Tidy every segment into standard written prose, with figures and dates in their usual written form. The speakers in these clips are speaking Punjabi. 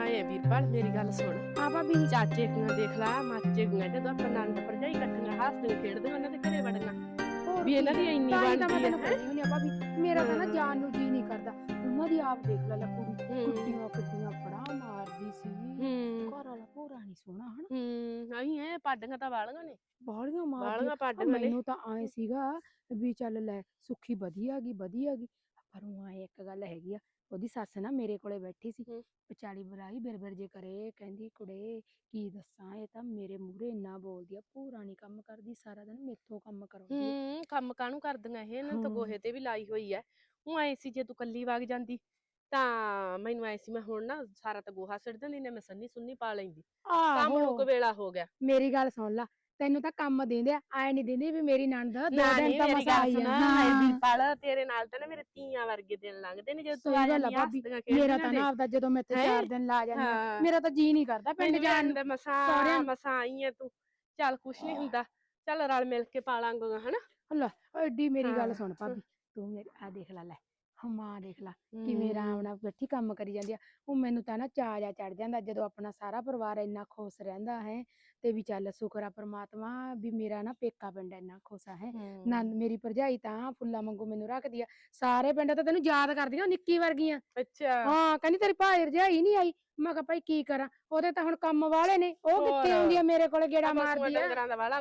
ਆਏ ਵੀਰਪਾਲ ਮੇਰੀ ਗੱਲ ਸੁਣ ਆ ਭਾਬੀ ਚਾਚੇ ਨੂੰ ਦੇਖ ਲਾ ਮਾਚੇ ਨੂੰ ਜਦੋਂ ਆਪਾਂ ਨੰਦ ਭਰਜਾਈ ਇਕੱਠੀਆਂ ਹੱਸਦੇ ਖੇਡਦੇ ਉਹਨਾਂ ਦੇ ਘਰੇ ਵੜਨਾ ਵੀ ਇਹਨਾਂ ਦੀ ਇੰਨੀ ਬਣਦੀ ਹੈ ਭਾਬੀ ਮੇਰਾ ਤਾਂ ਨਾ ਜਾਣ ਨੂੰ ਜੀ ਨਹੀਂ ਕਰਦਾ ਉਹਨਾਂ ਦੀ ਆਪ ਦੇਖ ਲੈ ਕੁੜੀ ਕੁੱਟੀਆਂ ਫੜਾ ਮਾਰਦੀ ਸੀ ਘਰ ਵਾਲਾ ਪੂਰਾ ਨਹੀਂ ਸੋਹਣਾ ਹਨ ਆਈ ਹੈ ਪਾਡੀਆਂ ਤਾਂ ਵਾਲੀਆਂ ਨੇ ਬਾਲੀਆਂ ਮਾਰਦੀਆਂ ਮੈਨੂੰ ਤਾਂ ਆਏ ਸੀਗਾ ਵੀ ਚੱਲ ਲੈ ਸੁੱਖੀ ਵਧੀਆ ਗਈ ਪਰ ਉਹ ਆਏ ਇੱਕ ਗੱਲ ਹੈਗੀ ਆ ਉਹਦੀ ਸੱਸ ਨਾ ਮੇਰੇ ਕੋਲੇ ਬੈਠੀ ਸੀ ਵਿਚਾਲੀ ਬੁਰਾਈ ਬਿਰਬਿਰ ਜੇ ਕਰੇ ਕਹਿੰਦੀ ਕੁੜੇ ਕੀ ਦੱਸਾਂ ਇਹ ਤਾਂ ਮੇਰੇ ਮੂਹਰੇ ਇੰਨਾ ਬੋਲਦੀ ਆ ਪੂਰਾ ਨਹੀਂ ਕੰਮ ਕਰਦੀ ਸਾਰਾ ਦਿਨ ਮੇਥੋਂ ਕੰਮ ਕਰਾਉਂਦੀ ਕੰਮ ਕਾਹਨੂੰ ਕਰਦੀਆਂ ਇਹ ਇਹਨਾਂ ਤਾਂ ਗੋਹੇ ਤੇ ਵੀ ਲਾਈ ਹੋਈ ਐ ਉਹ ਆਏ ਸੀ ਜੇ ਤੂੰ ਕੱਲੀ ਵਗ ਜਾਂਦੀ ਤਾਂ ਮੈਨੂੰ ਆਏ ਸੀ ਮੈਂ ਹੁਣ ਨਾ ਸਾਰਾ ਤਾਂ ਗੋਹਾ ਸਿੱਟ ਦਿੰਦੀ ਨੇ ਮੈਂ ਸੰਨੀ ਸੁੰਨੀ ਪਾ ਲੈਂਦੀ ਕੰਮ ਨੂੰ ਵੇਲਾ ਹੋ ਗਿਆ ਮੇਰੀ ਗੱਲ ਸੁਣ ਲਾ ਤੈਨੂੰ ਤਾਂ ਕੰਮ ਦਿੰਦੇ ਆਏ ਨਹੀਂ ਦਿੰਦੇ ਵੀ ਮੇਰੀ ਨਣਦ 2 ਦਿਨ ਤਾਂ ਮਸਾ ਆਈ ਆ ਪਾਲ ਤੇਰੇ ਨਾਲ ਤਾਂ ਨਾ ਮੇਰੇ ਤੀਆਂ ਵਰਗੇ ਦਿਨ ਲੰਘਦੇ ਨੇ ਜਦੋਂ ਤੂੰ ਆ ਜਾਂਦੀ ਮੇਰਾ ਤਾਂ ਨਾ ਆਪਦਾ ਜਦੋਂ ਮੈਂ ਇੱਥੇ 4 ਦਿਨ ਲਾ ਜਾਂਦੀ ਮੇਰਾ ਤਾਂ ਜੀ ਨਹੀਂ ਕਰਦਾ ਪਿੰਡ ਜਾਣ ਦਾ ਮਸਾਂ ਆਈ ਐ ਤੂੰ ਚੱਲ ਕੁਛ ਨਹੀਂ ਹੁੰਦਾ ਚੱਲ ਰਲ ਮਿਲ ਕੇ ਪਾਲਾਂਗਾ ਹਨਾ ਲੈ ਐਡੀ ਮੇਰੀ ਗੱਲ ਸੁਣ ਭਾਬੀ ਤੂੰ ਮੇਰੀ ਆ ਦੇਖ ਲੈ ਮਾਂ ਦੇਖ ਲਾ ਕਿਵੇਂ ਆਰਾਮ ਨਾਲ ਬੈਠੀ ਕੰਮ ਕਰੀ ਜਾਂਦੀ ਆ ਉਹ ਮੈਨੂੰ ਤਾਂ ਨਾ ਚਾਅ ਜਾ ਚੜ ਜਾਂਦਾ ਜਦੋਂ ਆਪਣਾ ਸਾਰਾ ਪਰਿਵਾਰ ਇੰਨਾ ਖੁਸ਼ ਰਹਿੰਦਾ ਹੈ ਤੇ ਵੀ ਚੱਲ ਸ਼ੁਕਰ ਆ ਪ੍ਰਮਾਤਮਾ ਵੀ ਮੇਰਾ ਨਾ ਪੇਕਾ ਪਿੰਡ ਇੰਨਾ ਖੁਸ਼ ਹੈ ਨੰਦ ਮੇਰੀ ਭਰਜਾਈ ਤਾਂ ਫੁੱਲਾਂ ਵਾਂਗੂ ਮੈਨੂੰ ਰੱਖਦੀ ਆ ਸਾਰੇ ਪਿੰਡ ਤਾਂ ਤੈਨੂੰ ਯਾਦ ਕਰਦੀਆਂ ਨਿੱਕੀ ਵਰਗੀਆਂ ਅੱਛਾ ਹਾਂ ਕਹਿੰਦੀ ਤੇਰੀ ਭਾਈ ਭਰਜਾਈ ਨਹੀਂ ਆਈ ਮੈਂ ਕਿਹਾ ਭਾਈ ਕੀ ਕਰਾਂ ਉਹਦੇ ਤਾਂ ਹੁਣ ਕੰਮ ਵਾਲੇ ਨੇ ਉਹ ਕਿੱਥੇ ਆਉਂਦੀ ਆ ਮੇਰੇ ਕੋਲੇ ਗੇੜਾ ਮਾਰਦੀ ਆ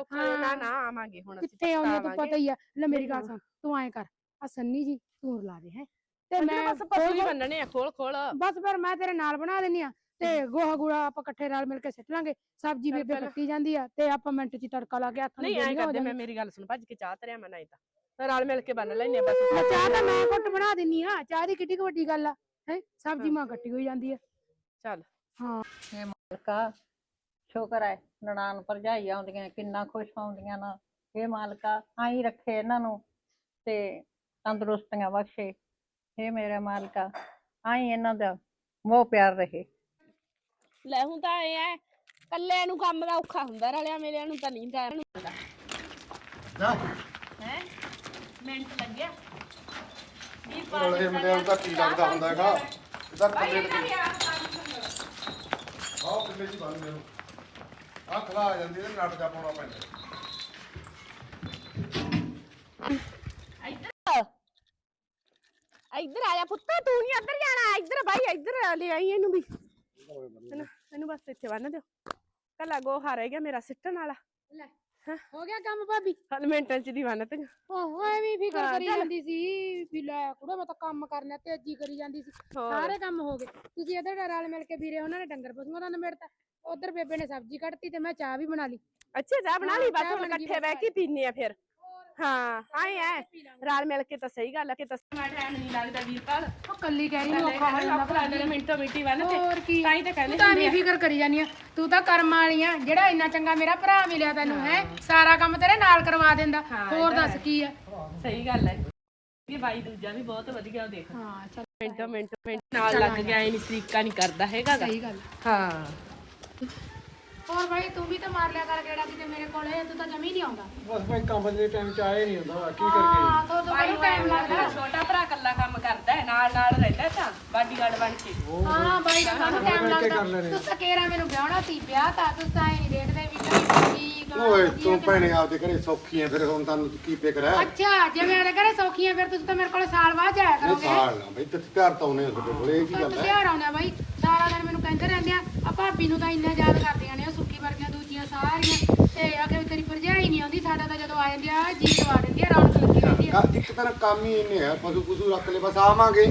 ਨਾ ਆਵਾਂਗੇ ਹੁਣ ਕਿੱਥੇ ਆਉਂਦੀ ਆ ਤੂੰ ਪਤਾ ਹੀ ਆ ਲੈ ਮੇਰੀ ਗੱਲ ਸੁਣ ਤੂੰ ਐਂ ਕਰ ਆ ਸੰਨੀ ਜੀ ਤੂੰ ਲਾ ਦੇ ਹੈ ਤੇ ਮੈਂ ਬਸ ਪਸ਼ੂ ਹੀ ਬੰਨਣੇ ਆ ਖੋਲ ਬਸ ਫਿਰ ਮੈਂ ਤੇਰੇ ਨਾਲ ਬਣਾ ਦਿੰਨੀ ਆ ਤੇ ਗੋਹਾ ਗੂੜਾ ਆਪਾਂ ਇਕੱਠੇ ਰਲ ਮਿਲ ਕੇ ਸਿੱਟ ਲਾਂਗੇ ਸਬਜ਼ੀ ਬੇਬੇ ਕੱਟੀ ਜਾਂਦੀ ਆ ਤੇ ਆਪਾਂ ਮਿੰਟ ਚ ਤੜਕਾ ਲਾ ਕੇ ਹੱਥ ਨਹੀਂ ਐਂ ਕਰਦੇ ਮੈਂ ਮੇਰੀ ਗੱਲ ਸੁਣ ਭੱਜ ਕੇ ਚਾਹ ਧਰਿਆ ਮੈਂ ਨਹੀਂ ਤਾਂ ਰਲ ਮਿਲ ਕੇ ਬੰਨ ਲੈਨੇ ਬਸ ਚਾਹ ਤਾਂ ਮੈਂ ਘੁੱਟ ਬਣਾ ਦਿੰਨੀ ਆ ਚਾਹ ਦੀ ਕਿੱਡੀ ਵੱਡੀ ਗੱਲ ਆ ਹੈ ਸਬਜ਼ੀ ਮਾਂ ਕੱਟੀ ਹੋਈ ਜਾਂਦੀ ਆ ਚੱਲ ਹਾਂ ਇਹ ਮਾਲਕਾ ਸ਼ੁਕਰ ਹੈ ਨਨਾਣ ਭਰਜਾਈ ਆਉਂਦੀਆਂ ਕਿੰਨਾ ਖੁਸ਼ ਆਉਂਦੀਆਂ ਨਾ ਇਹ ਮਾਲਕਾ ਆਈ ਰੱਖੇ ਇਹਨਾਂ ਨੂੰ ਤੇ ਤੰਦਰੁਸਤੀਆਂ ਬਖਸ਼ੇ ਇਹ ਮੇਰੇ ਮਾਲਕਾ ਆਈ ਇਹਨਾਂ ਦਾ ਮੋਹ ਪਿਆਰ ਰਹੇ ਲੈ ਹੁਣ ਤਾਂ ਇਹ ਐ ਕੱਲੇ ਨੂੰ ਕੰਮ ਦਾ ਔਖਾ ਹੁੰਦਾ ਰਲਿਆ ਮੇਲਿਆਂ ਨੂੰ ਤਾਂ ਨਹੀਂ ਟਾਈਮ ਹੁੰਦਾ ਹੈ ਮਿੰਟ ਲੱਗਿਆ ਵੀ ਰਲੇ ਮਿਲਿਆ ਨੂੰ ਤਾਂ ਕੀ ਲੱਗਦਾ ਹੁੰਦਾ ਹੈਗਾ ਇਹਦਾ ਕੱਲੇ ਆਹ ਕਿੰਨੇ ਦੀ ਬਣ ਮੈਨੂੰ ਆ ਖਲਾ ਆ ਜਾਂਦੀ ਤੇ ਨੱਟ ਜਾ ਪਾਉਣਾ ਪੈਂਦਾ ਇੱਧਰ ਆ ਜਾ ਪੁੱਤਾ ਤੂੰ ਨਹੀਂ ਇੱਧਰ ਜਾਣਾ ਇੱਧਰ ਬਾਈ ਇੱਧਰ ਲੈ ਆਈ ਇਹਨੂੰ ਵੀ ਇਹਨੂੰ ਬਸ ਇੱਥੇ ਬੰਨ ਦਿਓ ਕੱਲਾ ਗੋਹਾ ਰਹਿ ਗਿਆ ਮੇਰਾ ਸਿੱਟਣ ਵਾਲਾ ਲੈ ਹੋ ਗਿਆ ਕੰਮ ਭਾਬੀ ਹਲ ਮਿੰਟਾਂ ਚ ਦੀ ਬੰਨ ਤੀ ਓਹ ਐਵੇਂ ਫਿਕਰ ਕਰੀ ਜਾਂਦੀ ਸੀ ਵੀ ਲੈ ਕੁੜਾ ਮੈਂ ਤਾਂ ਕੰਮ ਕਰਨਾ ਤੇਜ਼ੀ ਕਰੀ ਜਾਂਦੀ ਸੀ ਸਾਰੇ ਕੰਮ ਹੋ ਗਏ ਤੁਸੀਂ ਇੱਧਰ ਰਲ ਮਿਲ ਕੇ ਵੀਰੇ ਉਹਨਾਂ ਨੇ ਡੰਗਰ ਪਸ਼ੂਆਂ ਦਾ ਨਿਬੇੜਤਾ ਉਧਰ ਬੇਬੇ ਨੇ ਸਬਜ਼ੀ ਕੱਟਤੀ ਤੇ ਮੈਂ ਚਾਹ ਵੀ ਬਣਾ ਲਈ ਅੱਛਾ ਚਾਹ ਬਣਾ ਲਈ ਬਸ ਹੁਣ ਇਕੱਠੇ ਬਹਿ ਕੇ ਪੀਨੇ ਆ ਫਿਰ ਹਾਂ ਆਏ ਐ ਰਲ ਮਿਲ ਕੇ ਤਾਂ ਸਹੀ ਗੱਲ ਆ ਕਿ ਤਸਮਾ ਟਾਈਮ ਨਹੀਂ ਲੱਗਦਾ ਵੀਰਪਾਲ ਉਹ ਕੱਲੀ ਕਹਿ ਰਹੀ ਔਖਾ ਹੋ ਜਾਂਦਾ ਮਿੰਟੋ ਮਿੰਟੀ ਬੰਨ ਤੇ ਹੋਰ ਕੀ ਤਾਂ ਹੀ ਤਾਂ ਕਹਿੰਦੇ ਤੂੰ ਤਾਂ ਨਹੀਂ ਫਿਕਰ ਕਰੀ ਜਾਨੀ ਆ ਤੂੰ ਤਾਂ ਕਰਮ ਵਾਲੀ ਆ ਜਿਹੜਾ ਇੰਨਾ ਚੰਗਾ ਮੇਰਾ ਭਰਾ ਮਿਲਿਆ ਤੈਨੂੰ ਹੈ ਸਾਰਾ ਕੰਮ ਤੇਰੇ ਨਾਲ ਕਰਵਾ ਦਿੰਦਾ ਹੋਰ ਦੱਸ ਕੀ ਆ ਸਹੀ ਗੱਲ ਹੈ ਇਹ ਬਾਈ ਦੂਜਾ ਵੀ ਬਹੁਤ ਵਧੀਆ ਉਹ ਦੇਖ ਹਾਂ ਚੱਲ ਮਿੰਟ ਨਾਲ ਲੱਗ ਗਿਆ ਇਹ ਨਹੀਂ ਸਰੀਕਾ ਨਹੀਂ ਕਰਦਾ ਹੈਗਾ ਸਹੀ ਗੱਲ ਹਾਂ ਹੋਰ ਭਾਈ ਤੂੰ ਵੀ ਤਾਂ ਮਾਰ ਲਿਆ ਕਰ ਗੇੜਾ ਕਿਤੇ ਮੇਰੇ ਕੋਲੇ ਤੂੰ ਤਾਂ ਜਮੀ ਨਹੀਂ ਆਉਂਦਾ ਬਸ ਭਾਈ ਕੰਮ ਦੇ ਟਾਈਮ ਚ ਆਏ ਨਹੀਂ ਹੁੰਦਾ ਕੀ ਹਾਂ ਤੋ ਬੜਾ ਟਾਈਮ ਲੱਗਦਾ ਛੋਟਾ ਭਰਾ ਕੱਲਾ ਕੰਮ ਕਰਦਾ ਹੈ ਨਾਲ ਰਹਿੰਦਾ ਤਾਂ ਬਾਡੀਗਾਰਡ ਬਣ ਕੇ ਹਾਂ ਬਾਈ ਦਾ ਕੰਮ ਟਾਈਮ ਲੱਗਦਾ ਤੂੰ ਤਾਂ ਕੇਰਾ ਮੈਨੂੰ ਵਿਆਹਣਾ ਸੀ ਵਿਆਹ ਤਾਂ ਤੂੰ ਤਾਂ ਹੀ ਨਹੀਂ ਦੇਖਦੇ ਵੀ ਕੀ ਓਏ ਤੂੰ ਭੈਣੇ ਆਪਦੇ ਘਰੇ ਸੌਖੀ ਐ ਫਿਰ ਹੁਣ ਤੁਹਾਨੂੰ ਕੀ ਫਿਕਰ ਹੈ ਅੱਛਾ ਜੇ ਮੇਰੇ ਘਰੇ ਸੌਖੀਆਂ ਫਿਰ ਤੁਸੀਂ ਤਾਂ ਮੇਰੇ ਕੋਲੇ ਸਾਲ ਬਾਅਦ ਜਾਇਆ ਕਰੋਗੇ ਸਾਲ ਨਾ ਬਈ ਤੇ ਤਿਆਰ ਤਾਂ ਉਹਨੇ ਤੁਹਾਡੇ ਕੋਲੇ ਇਹ ਕੀ ਗੱਲ ਹੈ ਤਿਆਰ ਆਉਂਦਾ ਬਾਈ ਸਾਰਾ ਦਿਨ ਮੈਨੂੰ ਕਹਿੰਦੇ ਰਹਿੰਦੇ ਆ ਭਾਬੀ ਨੂੰ ਤਾਂ ਇੰਨਾ ਯਾਦ ਕਰਦੀਆਂ ਨੇ ਸੁੱਕੀ ਵਰਗੀਆਂ ਦੂਜੀਆਂ ਸਾਰੀਆਂ ਤੇ ਆਖੇ ਤੇਰੀ ਭਰਜਾਈ ਨਹੀਂ ਆਉਂਦੀ ਸਾਡਾ ਤਾਂ ਜਦੋਂ ਆ ਜਾਂਦੀ ਆ ਜੀ ਦਵਾ ਦਿੰਦੀ ਆ ਰੌਣਕ ਲੱਗੀ ਰਹਿੰਦੀ ਆ ਇੱਕ ਤਰ੍ਹਾਂ ਕੰਮ ਹੀ ਇਹਨੇ ਹੈ ਪਸ਼ੂ ਰੱਖ ਲੈ ਬਸ ਆਵਾਂਗੇ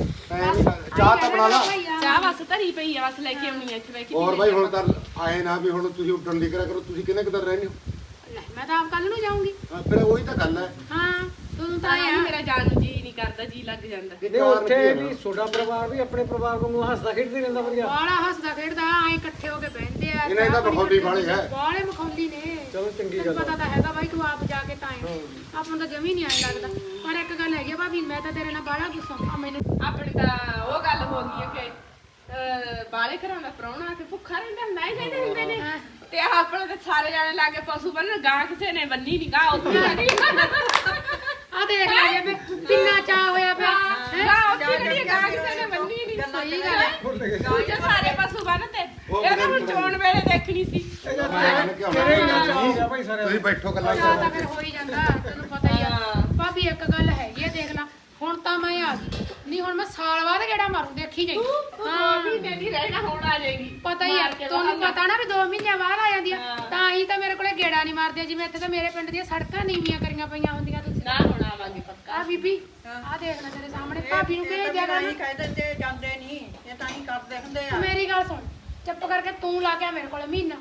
ਚਾਹ ਤਾਂ ਬਣਾ ਲਾ ਚਾਹ ਬਸ ਧਰੀ ਪਈ ਆ ਬਸ ਲੈ ਕੇ ਆਉਣੀ ਆ ਇੱਥੇ ਬੈ ਕੇ ਹੋਰ ਬਾਈ ਹੁਣ ਤਾਂ ਆਏ ਨਾ ਵੀ ਹੁਣ ਤੁਸੀਂ ਉੱਡਣ ਦੀ ਕਰਿਆ ਕਰੋ ਤੁਸੀਂ ਕਿੰਨੇ ਕੁ ਦਿਨ ਰਹਿੰਦੇ ਹੋ ਮੈਂ ਤਾਂ ਆਪ ਕੱਲ ਨੂੰ ਜਾਊਂਗੀ ਫਿਰ ਉਹੀ ਤਾਂ ਗੱਲ ਹੈ ਹਾਂ ਤੂੰ ਤਾਂ ਤਾਂ ਮੇਰਾ ਜਾਣ ਨੂੰ ਜੀ ਨਹੀਂ ਕਰਦਾ ਜੀ ਲੱਗ ਜਾਂਦਾ ਨਹੀਂ ਉੱਥੇ ਵੀ ਛੋਟਾ ਪਰਿਵਾਰ ਵੀ ਆਪਣੇ ਪਰਿਵਾਰ ਵਾਂਗੂ ਹੱਸਦਾ ਖੇਡਦਾ ਰਹਿੰਦਾ ਵਧੀਆ ਬਾਲਾ ਹੱਸਦਾ ਖੇਡਦਾ ਐ ਇਕੱਠੇ ਹੋ ਕੇ ਬਹਿੰਦੇ ਆ ਇਹਨਾਂ ਦਾ ਮਖੌਲੀ ਵਾਲੇ ਹੈ ਬਾਲੇ ਮਖੌਲੀ ਨੇ ਚਲੋ ਚੰਗੀ ਤੈਨੂੰ ਗੱਲ ਪਤਾ ਤਾਂ ਹੈਗਾ ਬਾਈ ਤੂੰ ਆਪ ਜਾ ਕੇ ਤਾਂ ਆਏ ਆਪਾਂ ਨੂੰ ਤਾਂ ਜਮੀ ਨਹੀਂ ਆਏ ਲੱਗਦਾ ਪਰ ਇੱਕ ਗੱਲ ਹੈਗੀ ਭਾਬੀ ਮੈਂ ਤਾਂ ਤੇਰੇ ਨਾਲ ਬਾਲਾ ਗੁੱਸਾ ਆ ਮੈਨੂੰ ਆਪਣੀ ਤਾਂ ਉਹ ਗੱਲ ਹੋ ਗਈ ਹੈ ਕਿ ਬਾਲੇ ਘਰਾਂ ਦਾ ਪ੍ਰਾਹੁਣਾ ਕਿ ਭੁੱਖਾ ਰਹਿੰਦਾ ਹੁੰਦਾ ਹੀ ਕਹਿੰਦੇ ਹੁੰਦੇ ਨੇ ਤੇ ਆਪਣੇ ਤੇ ਸਾਰੇ ਜਾਣੇ ਲਾ ਕੇ ਪਸ਼ੂ ਬੰਨਣ ਗਾਂ ਕਿਸੇ ਨੇ ਬੰਨੀ ਨਹੀਂ ਗਾਂ ਉੱਥੇ ਲੱਗੀ ਆ ਦੇਖ ਲੈ ਜੇ ਕਿੰਨਾ ਚਾਹ ਹੋਇਆ ਪਿਆ ਗਾਂ ਉੱਥੇ ਕਿਹੜੀ ਗਾਂ ਕਿਸੇ ਨੇ ਬੰਨੀ ਨਹੀਂ ਸਹੀ ਗੱਲ ਹੈ ਦੂਜੇ ਸਾਰੇ ਪਸ਼ੂ ਉਹ ਇਹ ਤਾਂ ਹੁਣ ਚੋਣ ਵੇਲੇ ਦੇਖਣੀ ਸੀ। ਮੈਂ ਕਹਿੰਦਾ ਕਿ ਤੇਰੇ ਹੀ ਆਉਣਾ ਗੱਲ ਆ ਭਾਈ ਸਾਰੇ ਤੁਸੀਂ ਬੈਠੋ ਗੱਲਾਂ ਚਾਹ ਤਾਂ ਕਰੋ ਫਿਰ ਹੋ ਹੀ ਜਾਂਦਾ ਤੈਨੂੰ ਪਤਾ ਹੀ ਆ ਭਾਬੀ ਇੱਕ ਗੱਲ ਹੈਗੀ ਆ ਦੇਖ ਲੈ ਹੁਣ ਤਾਂ ਮੈਂ ਆ ਗਈ ਨਹੀਂ ਹੁਣ ਮੈਂ ਸਾਲ ਬਾਅਦ ਕਿਹੜਾ ਮਾਰੂ ਦੇਖੀ ਜਾਈ ਹਾਂ ਮਹੀਨੇ ਦੀ ਰਹਿਣਾ ਹੁਣ ਆ ਜਾਏਗੀ। ਪਤਾ ਹੀ ਆ ਤੁਹਾਨੂੰ ਪਤਾ ਨਾ ਵੀ 2 ਮਹੀਨਿਆਂ ਬਾਅਦ ਆ ਜਾਂਦੀ ਆ ਤਾਂ ਹੀ ਤਾਂ ਮੇਰੇ ਕੋਲੇ ਗੇੜਾ ਨਹੀਂ ਮਾਰਦੇ ਜਿਵੇਂ ਇੱਥੇ ਤਾਂ ਮੇਰੇ ਪਿੰਡ ਦੀਆਂ ਸੜਕਾਂ ਨੀਵੀਆਂ ਕਰੀਆਂ ਪਈਆਂ ਹੁੰਦੀਆਂ ਤੁਸੀਂ ਨਾ ਹੁਣ ਆਵਾਂਗੇ ਪੱਕਾ। ਆ ਬੀਬੀ ਆ ਦੇਖ ਲੈ ਤੇਰੇ ਸਾਹਮਣੇ ਭਾਬੀ ਨੂੰ ਭੇਜ ਦਿਆ ਕਰ ਨਹੀਂ ਕਹਿ ਦਿੰਦੇ ਜਾਂਦੇ ਨਹੀਂ ਇਹ ਤਾਂ ਹੀ ਕਰਦੇ ਹੁੰਦੇ ਆ ਮੇਰੀ ਗੱਲ ਸੁਣ ਚੁੱਪ ਕਰਕੇ ਤੂੰ ਲਾ ਕੇ ਆ ਮੇਰੇ ਕੋਲੇ ਮਹੀਨਾ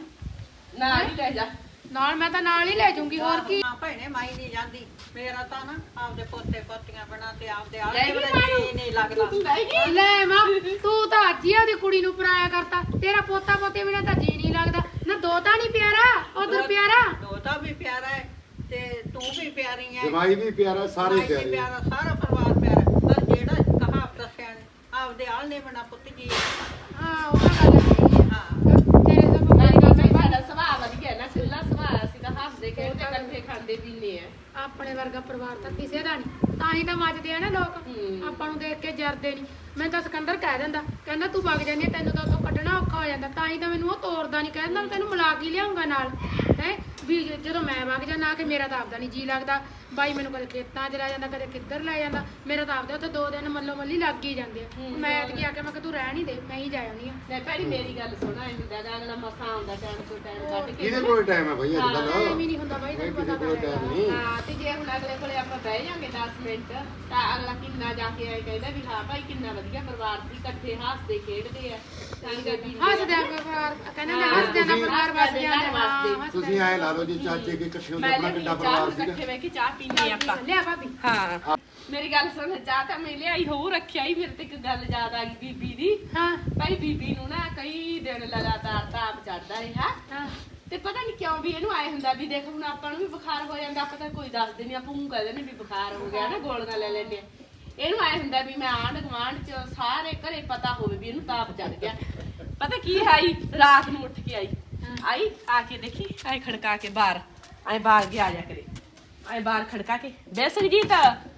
ਨਾ ਨਹੀਂ ਲੈ ਜਾ। ਨਾਲ ਮੈਂ ਤਾਂ ਨਾਲ ਹੀ ਲੈ ਜਾਊਂਗੀ ਹੋਰ ਕੀ ਹਾਂ ਭੈਣੇ ਮਾਈ ਨਹੀਂ ਜਾਂਦੀ ਮੇਰਾ ਤਾਂ ਨਾ ਆਪਦੇ ਪੋਤੇ ਪੋਤੀਆਂ ਬਣਾ ਤੇ ਆਪਦੇ ਲੈ ਆਲੇ ਗਈ ਬੜੇ ਮਾਂ ਨੂੰ। ਜੀ ਨਹੀਂ ਲੱਗਦਾ ਲੈ ਗਈ। ਲੈ ਮਾਂ ਤੂੰ ਤਾਂ ਅੱਜ ਹੀ ਉਹਦੀ ਕੁੜੀ ਨੂੰ ਪਰਾਇਆ ਕਰਤਾ ਤੇਰਾ ਪੋਤਾ ਪੋਤੇ ਬਿਨਾਂ ਤਾਂ ਜੀ ਨਹੀਂ ਲੱਗਦਾ ਨਾ ਦੋਤਾ ਨਹੀਂ ਪਿਆਰਾ ਉਧਰ ਪਿਆਰਾ ਦੋਤਾ ਵੀ ਪਿਆਰਾ ਹੈ ਤੇ ਤੂੰ ਵੀ ਪਿਆਰੀ ਹੈ ਜਮਾਈ ਵੀ ਪਿਆਰਾ ਸਾਰੇ ਮਾਈ ਵੀ ਪਿਆਰੇ ਪਿਆਰਾ ਸਾਰਾ ਪਰਿਵਾਰ ਪਿਆਰਾ ਪਰ ਜਿਹੜਾ ਕਹਾਵਤ ਦੱਸਿਆ ਨੇ ਆਪਦੇ ਆਲ ਨੇ ਬਣਾ ਪੁੱਤ ਜੀ ਹਾਂ ਉਹ ਤਾਂ ਗੱਲ ਸਹੀ ਹੈ ਹਾਂ ਤੇਰੇ ਤਾਂ ਨਾਲੇ ਮੇਰੀ ਗੱਲ ਭਾਈ ਸੁਣ ਸਾਡਾ ਸੁਭਾਅ ਵਧੀਆ ਨਾ ਖੁੱਲਾ ਸੁਭਾਅ ਅਸੀਂ ਤਾਂ ਹੱਸਦੇ ਖੇਡਦੇ ਇਕੱਠੇ ਖਾਂਦੇ ਪੀਂਦੇ ਆ। ਆਪਣੇ ਵਰਗਾ ਪਰਿਵਾਰ ਤਾਂ ਕਿਸੇ ਦਾ ਨਹੀਂ ਤਾਂ ਹੀ ਤਾਂ ਮੱਚਦੇ ਆ ਨਾ ਲੋਕ ਆਪਾਂ ਨੂੰ ਦੇਖ ਕੇ ਜਰਦੇ ਨਹੀਂ ਮੈਂ ਤਾਂ ਸਿਕੰਦਰ ਕਹਿ ਦਿੰਦਾ ਕਹਿੰਦਾ ਤੂੰ ਵਗ ਜਾਂਦੀ ਆ, ਤੈਨੂੰ ਤਾਂ ਉੱਥੋਂ ਕੱਢਣਾ ਔਖਾ ਹੋ ਜਾਂਦਾ ਤਾਂ ਹੀ ਤਾਂ ਮੈਨੂੰ ਉਹ ਤੋਰਦਾ ਨਹੀਂ ਕਹਿੰਦਾ ਮੈਂ ਤੈਨੂੰ ਮਿਲਾ ਕੇ ਲਿਆਉਂਗਾ ਨਾਲ ਹੈ ਵੀ ਜਦੋਂ ਮੈਂ ਵਗ ਜਾਣਾ ਕਿ ਮੇਰਾ ਤਾਂ ਆਪਦਾ ਨਹੀਂ ਜੀ ਲੱਗਦਾ ਬਾਈ ਮੈਨੂੰ ਕਦੇ ਖੇਤਾਂ 'ਚ ਲੈ ਜਾਂਦਾ ਕਦੇ ਕਿੱਧਰ ਲੈ ਜਾਂਦਾ ਮੇਰਾ ਤਾਂ ਆਪਦਾ ਉੱਥੇ 2 ਦਿਨ ਮੱਲੋ ਮੱਲੀ ਲੱਗ ਹੀ ਜਾਂਦੇ ਆ ਮੈਂ ਐਤਕੀ ਆ ਕੇ ਮੈਂ ਕਿ ਤੂੰ ਰਹਿ ਨਹੀਂ ਦੇ ਮੈਂ ਹੀ ਜਾ ਆਉਂਦੀ ਆ ਲੈ ਭੈਣੀ ਮੇਰੀ ਗੱਲ ਸੁਣਾ ਇਹਦਾ ਗਾਣਾ ਮਸਾ ਆਉਂਦਾ ਟਾਈਮ ਤੋਂ ਟਾਈਮ ਕੱਢ ਕੇ। ਇਹਦੇ ਕੋਲ ਟਾਈਮ ਹੈ ਭਾਈ ਅੱਜ ਐਵੇਂ ਕੱਲ ਨਹੀਂ ਹੁੰਦਾ ਬਾਈ ਤੈਨੂੰ ਕਿਸੇ ਪਤਾ ਕੋਲ ਤਾਂ ਟਾਈਮ ਹੈਗਾ ਨਹੀਂ ਹਾਂ ਤੇ ਜੇ ਹੁਣ ਅਗਲੇ ਕੋਲੇ ਆਪਾਂ ਬਹਿ ਜਾਾਂਗੇ 10 ਮਿੰਟ ਤਾਂ ਅਗਲਾ ਕਿੰਨਾ ਜਾ ਕੇ ਆਏ ਕਹਿੰਦਾ ਵੀ ਹਾਂ ਭਾਈ ਕਿੰਨਾ ਵਧੀਆ ਪਰਿਵਾਰ ਸੀ ਇਕੱਠੇ ਹੱਸਦੇ ਖੇਡਦੇ ਆ ਸੰਗਤ ਵੀ ਹੱਸਦੇ ਆ ਪਰਿਵਾਰ ਕਹਿੰਦੇ ਨੇ ਹੱਸਦੇ ਦਾ ਪਰਿਵਾਰ ਵਸ ਜਾਂਦਾ ਤੁਸੀਂ ਐ ਲਾ ਲਓ ਜੀ ਚਾਚੇ ਕੇ ਇਕੱਠੇ ਹੋ ਕੇ ਮੈਂ ਆਪਣਾ ਲੈ ਕਿੱਡਾ ਚਾਹ ਪਰਿਵਾਰ ਨੂੰ ਸੀਗਾ ਇਕੱਠੇ ਬਹਿ ਕੇ ਚਾਹ ਪੀਂਦੇ ਆਪਾਂ। ਲਿਆ ਭਾਬੀ ਹਾਂ ਮੇਰੀ ਗੱਲ ਸੁਣ ਚਾਹ ਤਾਂ ਮੈਂ ਲਿਆਈ ਹੋਊ ਰੱਖਿਆ ਹੀ ਮੇਰੇ ਤੇ ਇੱਕ ਗੱਲ ਯਾਦ ਆ ਗਈ ਬੀਬੀ ਦੀ। ਹਾਂ ਭਾਈ ਬੀਬੀ ਨੂੰ ਨਾ ਕਈ ਦਿਨ ਲਗਾਤਾਰ ਤਾਪ ਚੜਦਾ ਰਿਹਾ ਹਾਂ ਤੇ ਪਤਾ ਨਹੀਂ ਕਿਉਂ ਵੀ ਇਹਨੂੰ ਆਏ ਹੁੰਦਾ ਵੀ ਦੇਖ ਹੁਣ ਆਪਾਂ ਨੂੰ ਵੀ ਬੁਖਾਰ ਹੋ ਜਾਂਦਾ ਆਪਾਂ ਤਾਂ ਕੋਈ ਦੱਸਦੇ ਨਹੀਂ ਆਪਾਂ ਨੂੰ ਕਹਿੰਦੇ ਨੇ ਵੀ ਬੁਖਾਰ ਹੋ ਗਿਆ ਨਾ ਗੋਲੀਆਂ ਲੈ ਲੈਂਦੇ ਆ। ਇਹਨੂੰ ਆਏ ਹੁੰਦਾ ਵੀ ਮੈਂ ਆਂਢ ਗੁਆਂਢ ਚ ਸਾਰੇ ਘਰੇ ਪਤਾ ਹੋਵੇ ਵੀ ਇਹਨੂੰ ਤਾਪ ਚੜ ਗਿਆ। ਪਤਾ ਕੀ ਆਈ ਰਾਤ ਨੂੰ ਉੱਠ ਕੇ ਆਈ ਆ ਕੇ ਦੇਖੀ ਆਏ ਖੜਕਾ ਕੇ ਬਾਹਰ ਆਏ ਬਾਹਰ ਗਿਆ ਜਾ ਕਰੇ ਆਏ ਬਾਹਰ ਖੜਕਾ ਕੇ ਬੇ ਸੰਗੀਤ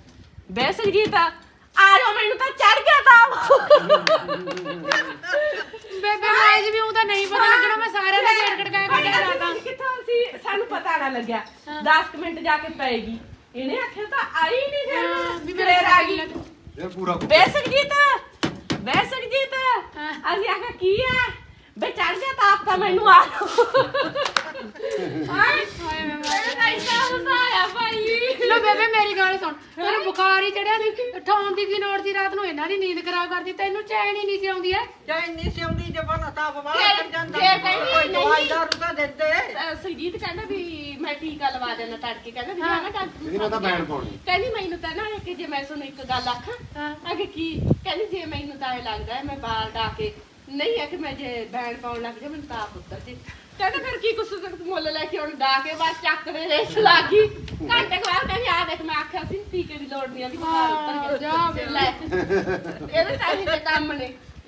ਆ ਜਾਓ ਮੈਨੂੰ ਤਾਂ ਚੜ ਗਿਆ ਤਾਪ। ਬੇਬੇ ਮਾਜ ਵੀ ਉਹਦਾ ਨਹੀਂ ਪਤਾ ਲੱਗਣਾ ਮੈਂ ਸਾਰਿਆਂ ਦਾ ਗੇੜ ਗੜਕਾ ਕੇ ਲਾਦਾ ਕਿੱਥੋਂ ਸੀ ਸਾਨੂੰ ਪਤਾ ਨਾ ਲੱਗਿਆ 10 ਮਿੰਟ ਜਾ ਕੇ ਪਏਗੀ ਇਹਨੇ ਆਖਿਆ ਤਾਂ ਆਈ ਨਹੀਂ ਫਿਰ ਵੀ ਵੀ ਮੇਰੇ ਆ ਗਈ ਇਹ ਪੂਰਾ ਬੇਸਕਜੀਤ ਅਸੀਂ ਆਖਿਆ ਕੀ ਹੈ ਬੇ ਚੜ ਗਿਆ ਤਾਂ ਆਪ ਤਾਂ ਮੈਨੂੰ ਆ ਹਾਏ ਮੈਂ ਨਹੀਂ ਸਾਇਆ ਭਾਈ ਲੋ ਬੇਬੇ ਮੇਰੀ ਗੱਲ ਸੁਣ ਤੈਨੂੰ ਬੁਖਾਰ ਹੀ ਚੜਿਆ ਸੀ ਠਾਉਣ ਦੀ ਕੀ ਲੋੜ ਸੀ ਰਾਤ ਨੂੰ ਇਹਨਾਂ ਦੀ ਨੀਂਦ ਖਰਾਬ ਕਰਦੀ ਤੈਨੂੰ ਚੈਨ ਹੀ ਨਹੀਂ ਸੀ ਆਉਂਦੀ ਐ ਜਾਂ ਇੰਨੀ ਸਿਉਂਦੀ ਜਬਨ ਤਾਪ ਵਾਲਾ ਕਰ ਜਾਂਦਾ ਜੇ ਕਹਿੰਦੀ ਕੋਈ ਨਹੀਂ। ਦਵਾਈ ਦਾਰੂ ਤਾਂ ਦਿੰਦੇ ਸੁਜੀਤ ਕਹਿੰਦਾ ਵੀ ਮੈਂ ਟੀਕਾ ਲਵਾ ਦੇਣਾ ਤੜਕੇ ਕਹਿੰਦਾ ਵੀ ਜਾਣਾ ਡਾਕਟਰ ਇਹਦੀ ਮੈਂ ਤਾਂ ਬੈਣ ਪਾਉਣੀ ਕਹਿੰਦੀ ਮੈਨੂੰ ਤਾਂ ਨਾ ਕਿ ਜੇ ਮੈਂ ਤੁਹਾਨੂੰ ਇੱਕ ਗੱਲ ਆਖਾਂ ਅਗੇ ਕੀ ਕਹਿੰਦੀ ਜੇ ਮੈਨੂੰ ਤਾਂ ਇਹ ਲੱਗਦਾ ਹੈ ਮੈਂ ਬਾਲ ਡਾ ਕੇ ਨਹੀਂ ਹੈ ਕਿ ਮੈਂ ਜੇ ਬੈਣ ਪਾਉਣ ਲੱਗ ਜਾ ਮੈਨੂੰ ਤਾਪ ਉੱਤਰ ਜੇ ਕਹਿੰਦਾ ਫਿਰ ਕੀ ਕੁਛ ਮੁੱਲ ਲੈ ਕੇ ਹੁਣ ਡਾ ਕੇ ਬਾਅਦ ਚੱਕ ਦੇ ਰੇਸ ਲੱਗ ਗਈ ਘੰਟੇ ਕੁ ਬਾਅਦ ਕਹਿੰਦੀ ਆ ਦੇਖ ਮੈਂ ਆਖਿਆ ਸੀ ਟੀਕੇ ਦੀ ਲੋੜ ਨਹੀਂ ਆ ਵੀ ਬਾਲ ਉੱਤਰ ਜਾ ਗਿਆ ਲੈ ਇਹਦੇ ਤਾਂ ਇਹ ਕੰਮ ਨੇ